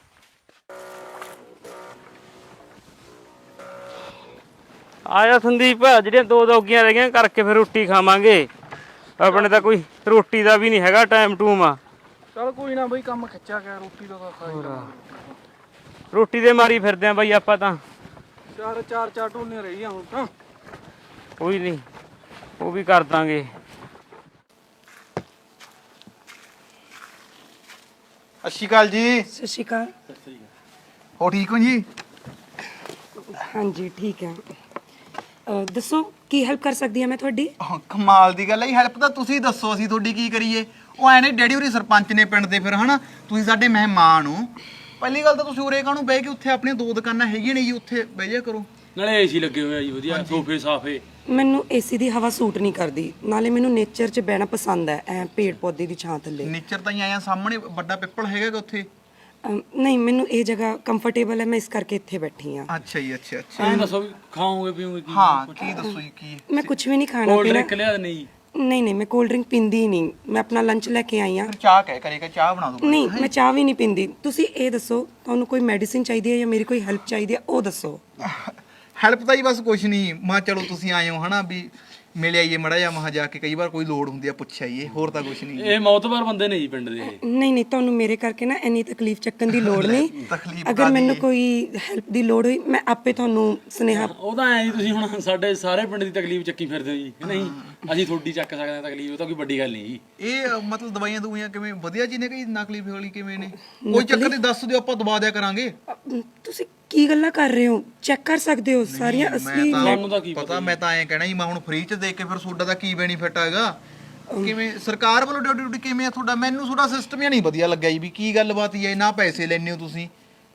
ਆਇਆ ਸੰਦੀਪ, ਜਿਹੜੀਆਂ 2 ਦੌਗੀਆਂ ਰਹਿ ਗਈਆਂ ਕਰਕੇ ਫਿਰ ਰੋਟੀ ਖਾਵਾਂਗੇ। ਆਪਣੇ ਤਾਂ ਕੋਈ ਰੋਟੀ ਦਾ ਵੀ ਨਹੀਂ ਹੈਗਾ ਟਾਈਮ ਟੂਮ ਆ। ਚੱਲ ਕੋਈ ਨਾ ਬਈ, ਕੰਮ ਖਿੱਚਿਆ ਗਿਆ, ਰੋਟੀ ਦਾ ਤਾਂ ਸਾਈ ਰੋਟੀ ਦੇ ਮਾਰੀ ਫਿਰਦੇ ਆ ਬਾਈ ਆਪਾਂ ਤਾਂ। ਚਾਰ ਢੋਲੀਆਂ ਰਹੀਆਂ ਹੁਣ ਤਾਂ। ਕੋਈ ਨਹੀਂ, ਉਹ ਵੀ ਕਰ ਦਾਂਗੇ। ਸਤਿ ਸ਼੍ਰੀ ਅਕਾਲ ਜੀ। ਸਤਿ ਸ਼੍ਰੀ ਅਕਾਲ। ਹੋ ਠੀਕ ਹੋ ਜੀ? ਹਾਂਜੀ ਠੀਕ ਹੈ। ਦੱਸੋ ਕੀ ਹੈਲਪ ਕਰ ਸਕਦੀ ਹਾਂ ਮੈਂ ਤੁਹਾਡੀ? ਕਮਾਲ ਦੀ ਗੱਲ ਹੈ। ਹੈਲਪ ਤਾਂ ਤੁਸੀਂ ਦੱਸੋ, ਅਸੀਂ ਤੁਹਾਡੀ ਕੀ ਕਰੀਏ? ਉਹ ਐ ਨੇ ਡੈਡੀ ਹੋਰੀ ਸਰਪੰਚ ਨੇ ਪਿੰਡ ਦੇ, ਫਿਰ ਹਨਾ ਤੁਸੀਂ ਸਾਡੇ ਮਹਿਮਾਨ ਹੋ ਪਹਿਲੀ ਗੱਲ ਤਾਂ ਤੁਸੀਂ ਉਰੇ ਕਾਹਨੂੰ ਬਹਿ ਕੇ ਉੱਥੇ ਆਪਣੀਆਂ 2 ਦੁਕਾਨਾਂ ਹੈਗੀਆਂ ਨੇ ਜੀ, ਉੱਥੇ ਬਹਿ ਜਾ ਕਰੋ। ਨਾਲੇ ਏਸੀ ਲੱਗੇ ਹੋਏ ਆ ਜੀ ਵਧੀਆ, ਸੋਫੇ ਸਾਫੇ। ਮੈਨੂੰ ਏਸੀ ਦੀ ਹਵਾ ਸੂਟ ਨਹੀਂ ਕਰਦੀ, ਨਾਲੇ ਮੈਨੂੰ ਨੇਚਰ 'ਚ ਬਹਿਣਾ ਪਸੰਦ ਹੈ, ਐ ਪੇੜ ਪੌਦੇ ਦੀ ਛਾਂ ਥੱਲੇ। ਨੇਚਰ ਤਾਂ ਹੀ ਆਇਆ, ਸਾਹਮਣੇ ਵੱਡਾ ਪਿੱਪਲ ਹੈਗਾ ਉੱਥੇ। ਨਹੀਂ, ਮੈਨੂੰ ਇਹ ਜਗ੍ਹਾ ਕੰਫਰਟੇਬਲ ਹੈ, ਮੈਂ ਇਸ ਕਰਕੇ ਇੱਥੇ ਬੈਠੀ ਹਾਂ। ਅੱਛਾ ਜੀ, ਅੱਛਾ ਅੱਛਾ। ਐਂ ਦੱਸੋ ਵੀ ਖਾਓਗੇ ਪੀਓਗੇ ਕੀ? ਹਾਂ, ਕੀ ਦੱਸੋ ਜੀ ਕੀ? ਮੈਂ ਕੁਝ ਵੀ ਨਹੀਂ ਖਾਣਾ ਕੋਲਡ ਪੀਣਾ। ਡਰਿੰਕ ਲਿਆ ਨਹੀਂ? ਨਹੀਂ, ਮੈਂ ਕੋਲਡ ਡਰਿੰਕ ਪੀਂਦੀ ਹੀ ਨਹੀਂ, ਮੈਂ ਆਪਣਾ ਲੰਚ ਲੈ ਕੇ ਆਈ ਹਾਂ। ਫਿਰ ਚਾਹ ਕਹਿ ਕਰੇਗਾ, ਚਾਹ ਬਣਾ ਦੋ। ਨਹੀਂ, ਮੈਂ ਚਾਹ ਵੀ ਨਹੀਂ ਪੀਂਦੀ। ਤੁਸੀਂ ਇਹ ਦੱਸੋ, ਤੁਹਾਨੂੰ ਕੋਈ ਮੈਡੀਸਿਨ ਚਾਹੀਦੀ ਹੈ ਜਾਂ ਮੇਰੀ ਕੋਈ ਹੈਲਪ ਚਾਹੀਦੀ ਹੈ, ਉਹ ਦੱਸੋ। ਹੈਲਪ ਤਾਂ ਹੀ ਬਸ ਕੁਛ ਨਹੀਂ, ਮੈਂ ਚਲੋ ਤੁਸੀਂ ਆਏ ਹੋ ਹਨਾ, ਵੀ ਮਿਲ ਆਈਏ ਮੜਾ ਜਾ, ਮਹਾ ਜਾ ਕੇ ਕਈ ਵਾਰ ਕੋਈ ਲੋੜ ਹੁੰਦੀ ਆ ਪੁੱਛ ਆਈਏ, ਹੋਰ ਤਾਂ ਕੁਛ ਨਹੀਂ। ਇਹ ਮੌਤਬਾਰ ਬੰਦੇ ਨੇ ਜੀ ਪਿੰਡ ਦੇ ਇਹ। ਨਹੀਂ, ਤੁਹਾਨੂੰ ਮੇਰੇ ਕਰਕੇ ਨਾ ਇੰਨੀ ਤਕਲੀਫ ਚੱਕਣ ਦੀ ਲੋੜ ਨਹੀਂ। ਤਕਲੀਫ ਅਗਰ ਮੈਨੂੰ ਕੋਈ ਹੈਲਪ ਦੀ ਲੋੜ ਹੋਈ, ਮੈਂ ਆਪੇ ਤੁਹਾਨੂੰ ਸੁਨੇਹਾ। ਉਹ ਤਾਂ ਐ ਜੀ, ਤੁਸੀਂ ਹੁਣ ਸਾਡੇ ਸਾਰੇ ਪਿੰਡ ਦੀ ਤਕਲੀਫ ਚੱਕੀ ਫਿਰਦੇ ਹੋ ਜੀ ਕਿ ਨਹੀਂ? ਅਸੀਂ ਤੁਹਾਡੀ ਚੱਕ ਸਕਦੇ ਹਾਂ ਤਕਲੀਫ, ਉਹ ਤਾਂ ਕੋਈ ਵੱਡੀ ਗੱਲ ਨਹੀਂ ਜੀ। ਇਹ ਮਤਲਬ ਦਵਾਈਆਂ ਦਵਾਈਆਂ ਕਿਵੇਂ ਵਧੀਆ ਜੀ ਨੇ ਕਿ ਨਕਲੀ ਵਾਲੀ ਕਿਵੇਂ ਨੇ? ਕੋਈ ਚੱਕਰ ਨਹੀਂ, ਦੱਸ ਦਿਓ, ਆਪਾਂ ਦਵਾ ਦਿਆ ਕਰਾਂਗੇ। ਤੁਸੀਂ ਕੀ ਗੱਲਾਂ ਕਰ ਰਹੇ ਹੋ? ਚੈੱਕ ਕਰ ਸਕਦੇ ਹੋ ਸਾਰੀਆਂ ਅਸਲੀ। ਸਾਨੂੰ ਤਾਂ ਕੀ ਪਤਾ, ਮੈਂ ਤਾਂ ਐਂ ਕਹਿਣਾ ਜੀ, ਮੈਂ ਹੁਣ ਫ੍ਰੀ ਚ ਦੇ ਕੇ ਫਿਰ ਤੁਹਾਡਾ ਦਾ ਕੀ ਬੈਨੀਫਿਟ ਹੈਗਾ? ਕਿਵੇਂ ਸਰਕਾਰ ਵੱਲੋਂ ਡਿਊਟੀ ਕਿਵੇਂ ਆ ਤੁਹਾਡਾ? ਮੈਨੂੰ ਤੁਹਾਡਾ ਸਿਸਟਮ ਹੀ ਨਹੀਂ ਵਧੀਆ ਲੱਗਿਆ ਜੀ, ਵੀ ਕੀ ਗੱਲਬਾਤ ਹੀ ਹੈ, ਨਾ ਪੈਸੇ ਲੈਣੇ ਹੋ ਤੁਸੀਂ।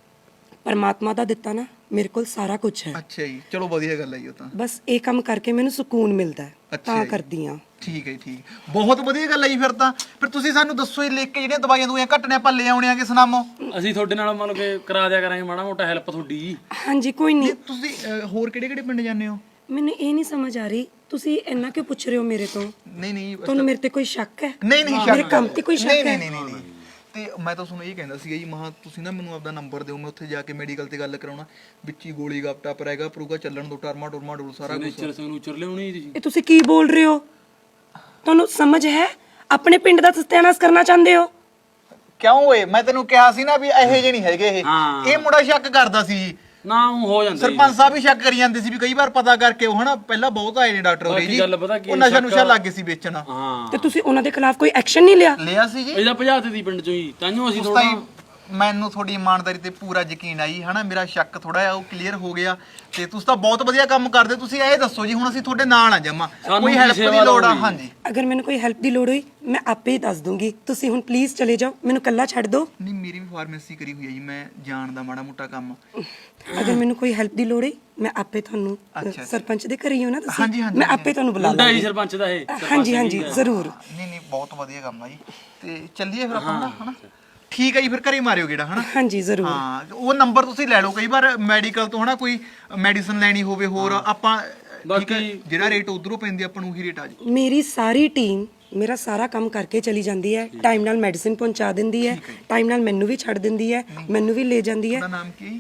ਪਰਮਾਤਮਾ ਦਾ ਦਿੱਤਾ ਨਾ, ਮੇਰੇ ਕੋਲ ਸਾਰਾ ਕੁਝ ਹੈ। ਅੱਛਾ ਜੀ, ਚਲੋ ਵਧੀਆ ਗੱਲ ਹੈ ਜੀ ਉਹ ਤਾਂ। ਬਸ ਇਹ ਕੰਮ ਕਰਕੇ ਮੈਨੂੰ ਸਕੂਨ ਮਿਲਦਾ ਹੈ, ਅੱਛਾ ਤਾਂ ਜੀ। ਕਰਦੀ ਆ। ਠੀਕ ਹੈ, ਠੀਕ, ਬਹੁਤ ਵਧੀਆ ਗੱਲ ਹੈ ਜੀ। ਫਿਰ ਤਾਂ ਫਿਰ ਤੁਸੀਂ ਸਾਨੂੰ ਦੱਸੋ ਜੀ, ਲਿਖ ਕੇ ਜਿਹੜੀਆਂ ਦਵਾਈਆਂ ਦਵਾਈਆਂ ਘਟਨੇ ਆਪਾਂ ਲੈ ਆਉਣੇ ਆਗੇ, ਸੁਣਾਮੋ। ਅਸੀਂ ਤੁਹਾਡੇ ਨਾਲ ਮਤਲਬ ਕਿ ਕਰਾ ਦਿਆ ਕਰਾਂਗੇ ਮਾੜਾ ਮੋਟਾ ਹੈਲਪ ਤੁਹਾਡੀ ਜੀ। ਹਾਂਜੀ, ਕੋਈ ਨਹੀਂ। ਤੁਸੀਂ ਹੋਰ ਕਿਹੜੇ ਕਿਹੜੇ ਪਿੰਡ ਜਾਂਦੇ ਹੋ? ਮੈਨੂੰ ਇਹ ਨਹੀਂ ਸਮਝ ਆ ਰਹੀ, ਤੁਸੀਂ ਇੰਨਾ ਕਿਉਂ ਪੁੱਛ ਰਹੇ ਹੋ ਮੇਰੇ ਤੋਂ? ਨਹੀਂ ਤੁਹਾਨੂੰ ਮੇਰੇ ਤੇ ਕੋਈ ਸ਼ੱਕ ਹੈ? ਨਹੀਂ ਨਹੀਂ, ਮੇਰੇ ਕੰਮ ਤੇ ਕੋਈ ਸ਼ੱਕ ਹੈ? ਨਹੀਂ। ਤੇ ਮੈਂ ਤਾਂ ਤੁਹਾਨੂੰ ਇਹ ਕਹਿੰਦਾ ਸੀਗਾ ਜੀ, ਮਹਾ ਤੁਸੀਂ ਨਾ ਮੈਨੂੰ ਆਪਦਾ ਨੰਬਰ ਦਿਓ, ਮੈਂ ਉੱਥੇ ਜਾ ਕੇ ਮੈਡੀਕਲ ਤੇ ਗੱਲ ਕਰਾਉਣਾ, ਵਿੱਚ ਹੀ ਗੋਲੀ ਗੱਪਟਾ ਪਰੇਗਾ ਪਰੂਗਾ ਚੱਲਣ ਦੋ, ਟਰਮਾ ਟੁਰਮਾ ਡੋਲ ਸਾਰਾ ਕੁਝ। ਨੇਚਰ ਸਿਗਨੇਚਰ ਲਿਆਉਣੀ ਤੁਸੀਂ? ਇਹ ਤੁਸੀਂ ਕੀ ਬੋਲ ਰਹੇ ਹੋ? ਤੁਹਾਨੂੰ ਸਮਝ ਹੈ? ਆਪਣੇ ਪਿੰਡ ਦਾ ਸਤਿਆਨਾਸ਼ ਕਰਨਾ ਚਾਹੁੰਦੇ ਹੋ? ਕਿਉਂ ਓਏ, ਮੈਂ ਤੈਨੂੰ ਕਿਹਾ ਸੀ ਨਾ ਵੀ ਇਹੋ ਜਿਹੇ ਨਹੀਂ ਹੈਗੇ ਇਹ ਮੁੰਡਾ ਸ਼ੱਕ ਕਰਦਾ ਸੀ ਜੀ। ਨਾ ਉਹ ਹੋ ਜਾਂਦਾ ਜੀ। ਸਰਪੰਚ ਸਾਹਿਬ ਵੀ ਸ਼ੱਕ ਕਰੀ ਜਾਂਦੇ ਸੀ ਵੀ ਕਈ ਵਾਰ ਪਤਾ ਕਰਕੇ ਉਹ ਹਨਾ, ਪਹਿਲਾਂ ਬਹੁਤ ਆਏ ਨੇ ਡਾਕਟਰ ਹੋਰੇ ਜੀ, ਗੱਲ ਪਤਾ ਕੀ ਉਹ ਨਸ਼ਾ ਨੁਸ਼ਾ ਲੱਗ ਗਏ ਸੀ ਵੇਚਣ। ਹਾਂ, ਤੇ ਤੁਸੀਂ ਉਹਨਾਂ ਦੇ ਖਿਲਾਫ ਕੋਈ ਐਕਸ਼ਨ ਨਹੀਂ ਲਿਆ? ਲਿਆ ਸੀ ਜੀ। ਇਹਦਾ ਭਜਾਤੇ ਦੀ ਪਿੰਡ ਚੋਂ ਹੀ, ਤਾਂਹੀਓ ਅਸੀਂ ਉਸ ਥੋੜਾ ਤਾਈਂ ਮੈਨੂੰ ਤੁਹਾਡੀ ਇਮਾਨਦਾਰੀ ਤੇ ਪੂਰਾ ਯਕੀਨ ਆਈ ਹਨਾ, ਮੇਰਾ ਸ਼ੱਕ ਥੋੜਾ ਜਿਹਾ ਉਹ ਕਲੀਅਰ ਹੋ ਗਿਆ। ਤੇ ਤੁਸੀਂ ਤਾਂ ਬਹੁਤ ਵਧੀਆ ਕੰਮ ਕਰਦੇ। ਤੁਸੀਂ ਇਹ ਦੱਸੋ ਜੀ, ਹੁਣ ਅਸੀਂ ਤੁਹਾਡੇ ਨਾਲ ਆ ਜਮਾ, ਕੋਈ ਹੈਲਪ ਦੀ ਲੋੜ ਆ? ਹਾਂਜੀ, ਅਗਰ ਮੈਨੂੰ ਕੋਈ ਹੈਲਪ ਦੀ ਲੋੜ ਹੋਈ, ਮੈਂ ਆਪੇ ਹੀ ਦੱਸ ਦੂੰਗੀ। ਤੁਸੀਂ ਹੁਣ ਪਲੀਜ਼ ਚਲੇ ਜਾਓ, ਮੈਨੂੰ ਇਕੱਲਾ ਛੱਡ ਦਿਓ। ਨਹੀਂ, ਮੇਰੀ ਵੀ ਫਾਰਮੇਸੀ ਕਰੀ ਹੋਈ ਹੈ ਜੀ, ਮੈਂ ਜਾਣਦਾ ਮਾੜਾ ਮੋਟਾ ਕੰਮ। ਅਗਰ ਮੈਨੂੰ ਕੋਈ ਹੈਲਪ ਦੀ ਲੋੜ ਹੋਈ, ਮੈਂ ਆਪੇ ਤੁਹਾਨੂੰ ਸਰਪੰਚ ਦੇ ਘਰੇ ਹੀ ਹੋ ਨਾ ਤੁਸੀਂ? ਹਾਂਜੀ, ਹਾਂਜੀ, ਮੈਂ ਆਪੇ ਤੁਹਾਨੂੰ ਬੁਲਾ ਮੁੰਡਾ ਜੀ ਲਾਂਗੀ। ਸਰਪੰਚ ਦਾ ਇਹ। ਹਾਂਜੀ ਹਾਂਜੀ, ਜ਼ਰੂਰ। ਨਹੀਂ ਬਹੁਤ ਵਧੀਆ ਕੰਮ ਆ ਜੀ। ਤੇ ਚੱਲੀਏ ਫਿਰ ਆਪਾਂ ਹਨਾ? ਠੀਕ ਹੈ ਜੀ, ਫਿਰ ਘਰੇ ਮਾਰਿਓ ਗੇੜਾ ਹਨਾ? ਹਾਂਜੀ, ਜ਼ਰੂਰ। ਹਾਂ, ਉਹ ਨੰਬਰ ਤੁਸੀਂ ਲੈ ਲਓ, ਕਈ ਵਾਰ ਮੈਡੀਕਲ ਤੋਂ ਹਨਾ ਕੋਈ ਮੈਡੀਸਨ ਲੈਣੀ ਹੋਵੇ ਹੋਰ, ਆਪਾਂ ਬਾਕੀ ਜਿਹੜਾ ਰੇਟ ਉਧਰੋਂ ਪੈਂਦੀ ਆਪਾਂ ਨੂੰ ਉਹੀ ਰੇਟ ਆ ਜੀ। ਮੇਰੀ ਸਾਰੀ ਟੀਮ ਮੇਰਾ ਸਾਰਾ ਕੰਮ ਕਰਕੇ ਚਲੀ ਜਾਂਦੀ ਹੈ, ਟਾਈਮ ਨਾਲ ਮੈਡੀਸਿਨ ਪਹੁੰਚਾ ਦਿੰਦੀ ਹੈ, ਟਾਈਮ ਨਾਲ ਮੈਨੂੰ ਵੀ ਛੱਡ ਦਿੰਦੀ ਹੈ, ਮੈਨੂੰ ਵੀ ਲੈ ਜਾਂਦੀ ਹੈ। ਉਹਦਾ ਨਾਮ ਕੀ?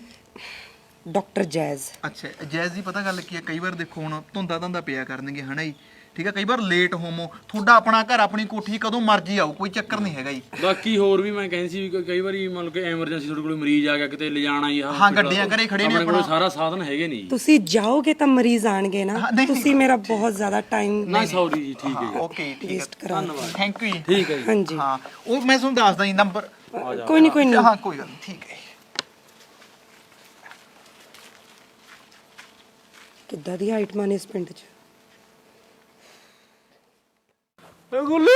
Doctor Jazz. ਅੱਛਾ, ਜੈਜ਼ ਦੀ ਪਤਾ ਗੱਲ ਕੀ ਹੈ, ਕਈ ਵਾਰ ਦੇਖੋ ਹੁਣ ਧੁੰਦਾ ਪਿਆ ਕਰਨਗੇ ਹਨਾ ਜੀ, ਠੀਕ ਹੈ, ਕਈ ਵਾਰ ਲੇਟ ਹੋਮੋ, ਤੁਹਾਡਾ ਆਪਣਾ ਘਰ ਆਪਣੀ ਕੋਠੀ ਕਦੋਂ ਮਰਜ਼ੀ ਆਓ, ਕੋਈ ਚੱਕਰ ਨਹੀਂ ਹੈਗਾ ਜੀ। ਬਾਕੀ ਹੋਰ ਵੀ ਮੈਂ ਕਹਿੰਦੀ ਸੀ ਵੀ ਕਈ ਵਾਰੀ ਮਤਲਬ ਕਿ ਐਮਰਜੈਂਸੀ ਤੁਹਾਡੇ ਕੋਲ ਮਰੀਜ਼ ਆ ਗਿਆ ਕਿਤੇ ਲਿਜਾਣਾ ਹੀ ਆ, ਹਾਂ, ਗੱਡੀਆਂ ਘਰੇ ਖੜੇ ਨੇ, ਆਪਣੇ ਕੋਲ ਸਾਰਾ ਸਾਧਨ ਹੈਗੇ ਨਹੀਂ। ਤੁਸੀਂ ਜਾਓਗੇ ਤਾਂ ਮਰੀਜ਼ ਆਣਗੇ ਨਾ, ਤੁਸੀਂ ਮੇਰਾ ਬਹੁਤ ਜ਼ਿਆਦਾ ਟਾਈਮ ਨਾ ਸੌਰੀ ਜੀ, ਠੀਕ ਹੈ ਜੀ। ਓਕੇ, ਠੀਕ ਹੈ, ਵੇਸਟ ਕਰਾ। ਥੈਂਕ ਯੂ ਜੀ। ਠੀਕ ਹੈ ਜੀ। ਹਾਂਜੀ, ਹਾਂ, ਉਹ ਮੈਂ ਤੁਹਾਨੂੰ ਦੱਸਦਾ ਜੀ ਨੰਬਰ। ਕੋਈ ਨਹੀਂ। ਹਾਂ, ਕੋਈ ਗੱਲ ਨਹੀਂ, ਠੀਕ ਹੈ। ਕਿੱਦਾਂ ਦੀ ਹਾਈਟ ਮਾਨੇ ਇਸ ਪਿੰਡ 'ਚ? ਗੁੱਲੂ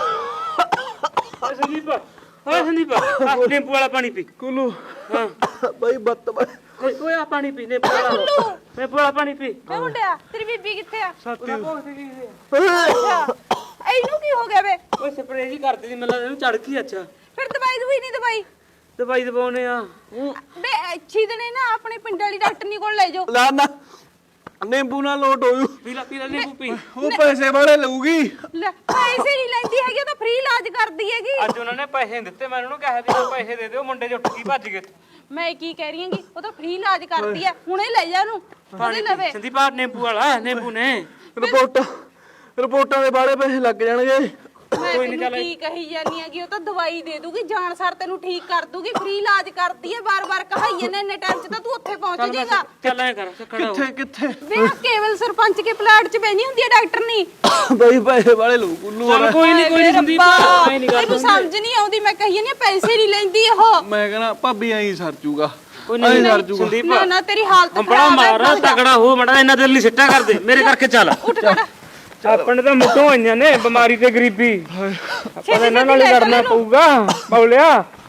ਸੰਦੀਪ ਨਿੰਬੂ ਵਾਲਾ ਪਾਣੀ ਪੀ। ਕੁੱਲੂ ਹਾਂ ਬਾਈ ਬੱਤ ਓਏ ਆ ਪਾਣੀ ਪੀ, ਨਿੰਬੂ ਵਾਲਾ ਪਾਣੀ ਪੀ। ਵੇ ਮੁੰਡਿਆ, ਤੇਰੀ ਬੀਬੀ ਕਿੱਥੇ ਆ? ਸੱਤੀ ਅੱਛਾ, ਇਹਨੂੰ ਕੀ ਹੋ ਗਿਆ ਵੇ? ਓਏ ਸਪਰੇਅ ਜੀ ਕਰਦੀ ਸੀ, ਮੈਨੂੰ ਇਹਨੂੰ ਚੜ ਗਈ। ਅੱਛਾ, ਫਿਰ ਦਵਾਈ ਦਵਾਈ ਨਹੀਂ ਦਵਾਈ? ਦਵਾਈ ਦਵਾਉਨੇ ਆ। ਵੇ ਅੱਛੀ ਦਿਨੇ ਨਾ ਆਪਣੇ ਪਿੰਡ ਵਾਲੀ ਡਾਕਟਰਨੀ ਕੋਲ ਲੈ ਜਾਓ। ਨਾ ਨਿੰਬੂ ਨਾਲ ਲੋਟ ਹੋਊ, ਪੀ ਲੈ ਨਿੰਬੂ ਪੀ। ਉਹ ਪੈਸੇ ਵਾਲੇ ਲਊਗੀ। ਲੈ, ਪੈਸੇ ਨਹੀਂ ਲੈਂਦੀ ਹੈਗੀ, ਉਹ ਤਾਂ ਫ੍ਰੀ ਇਲਾਜ ਕਰਦੀ ਹੈਗੀ। ਅੱਜ ਉਹਨਾਂ ਨੇ ਪੈਸੇ ਦਿੱਤੇ, ਮੈਂ ਉਹਨਾਂ ਨੂੰ ਕਿਹਾ ਵੀ ਪੈਸੇ ਦੇ ਦਿਓ, ਮੁੰਡੇ ਜੁੱਟ ਗਈ ਭੱਜ ਗਏ। ਮੈਂ ਕੀ ਕਹਿ ਰਹੀ ਹਾਂਗੀ, ਉਹ ਤਾਂ ਫ੍ਰੀ ਇਲਾਜ ਕਰਦੀ ਹੈ, ਹੁਣੇ ਲੈ ਜਾ ਉਹਨੂੰ, ਉਹਦੇ ਲਵੇ। ਸੰਦੀਪ ਆ ਨਿੰਬੂ ਵਾਲਾ, ਨਿੰਬੂ ਨੇ ਰਿਪੋਰਟਾਂ ਦੇ ਬਾਰੇ ਪੈਸੇ ਲੱਗ ਜਾਣਗੇ। ਮੈਂ ਤੈਨੂੰ ਕੀ ਕਹੀ ਜਾਨੀ ਹੈਗੀ, ਉਹ ਤਾਂ ਦਵਾਈ ਦੇ ਦੂਗੀ, ਜਾਣ ਸਾਰ ਤੈਨੂੰ ਠੀਕ ਕਰ ਦੂਗੀ, ਫ੍ਰੀ ਇਲਾਜ ਕਰਦੀ ਹੈ। ਬਾਰ-ਬਾਰ ਕਹਾਈਏ ਨੇ, ਇੰਨੇ ਟਾਈਮ 'ਚ ਤਾਂ ਤੂੰ ਉੱਥੇ ਪਹੁੰਚ ਜਾਏਗਾ। ਚੱਲ ਐ ਕਰ, ਖੜਾ ਹੋ। ਕਿੱਥੇ ਵੇ ਆਹ ਕੇਵਲ ਸਰਪੰਚ ਕੇ ਪਲਾਟ 'ਚ ਬੈਣੀ ਹੁੰਦੀ ਹੈ ਡਾਕਟਰਨੀ। ਬਾਈ ਪੈਸੇ ਵਾਲੇ ਲਊ ਕੁੱਲੂ। ਚੱਲ ਕੋਈ ਨਹੀਂ ਸੰਦੀਪ, ਐ ਨਹੀਂ ਤੈਨੂੰ ਸਮਝ ਨਹੀਂ ਆਉਂਦੀ, ਮੈਂ ਕਹੀ ਨਹੀਂ ਪੈਸੇ ਨਹੀਂ ਲੈਂਦੀ ਉਹ। ਮੈਂ ਕਹਿੰਦਾ ਭਾਬੀ ਐਂ ਸਰ ਜੂਗਾ। ਸੰਦੀਪ ਨਾ ਤੇਰੀ ਹਾਲਤ ਬੜਾ ਖਰਾਬ ਹੈ। ਮਾਰਾ ਤਗੜਾ ਹੋ ਮੜਾ, ਇਹਨਾਂ ਦੇ ਲਈ ਸਿੱਟਾ ਕਰਦੇ ਮੇਰੇ ਕਰਕੇ। ਚੱਲ ਉੱਠ ਖੜਾ। ਆਪਣੇ ਤਾਂ ਮੁੱਢੋਂ ਆਈਆਂ ਨੇ ਬਿਮਾਰੀ ਤੇ ਗਰੀਬੀ, ਆਪਾਂ ਇਹਨਾਂ ਨਾਲ ਹੀ ਲੜਨਾ ਪਊਗਾ। ਪੌਲਿਆ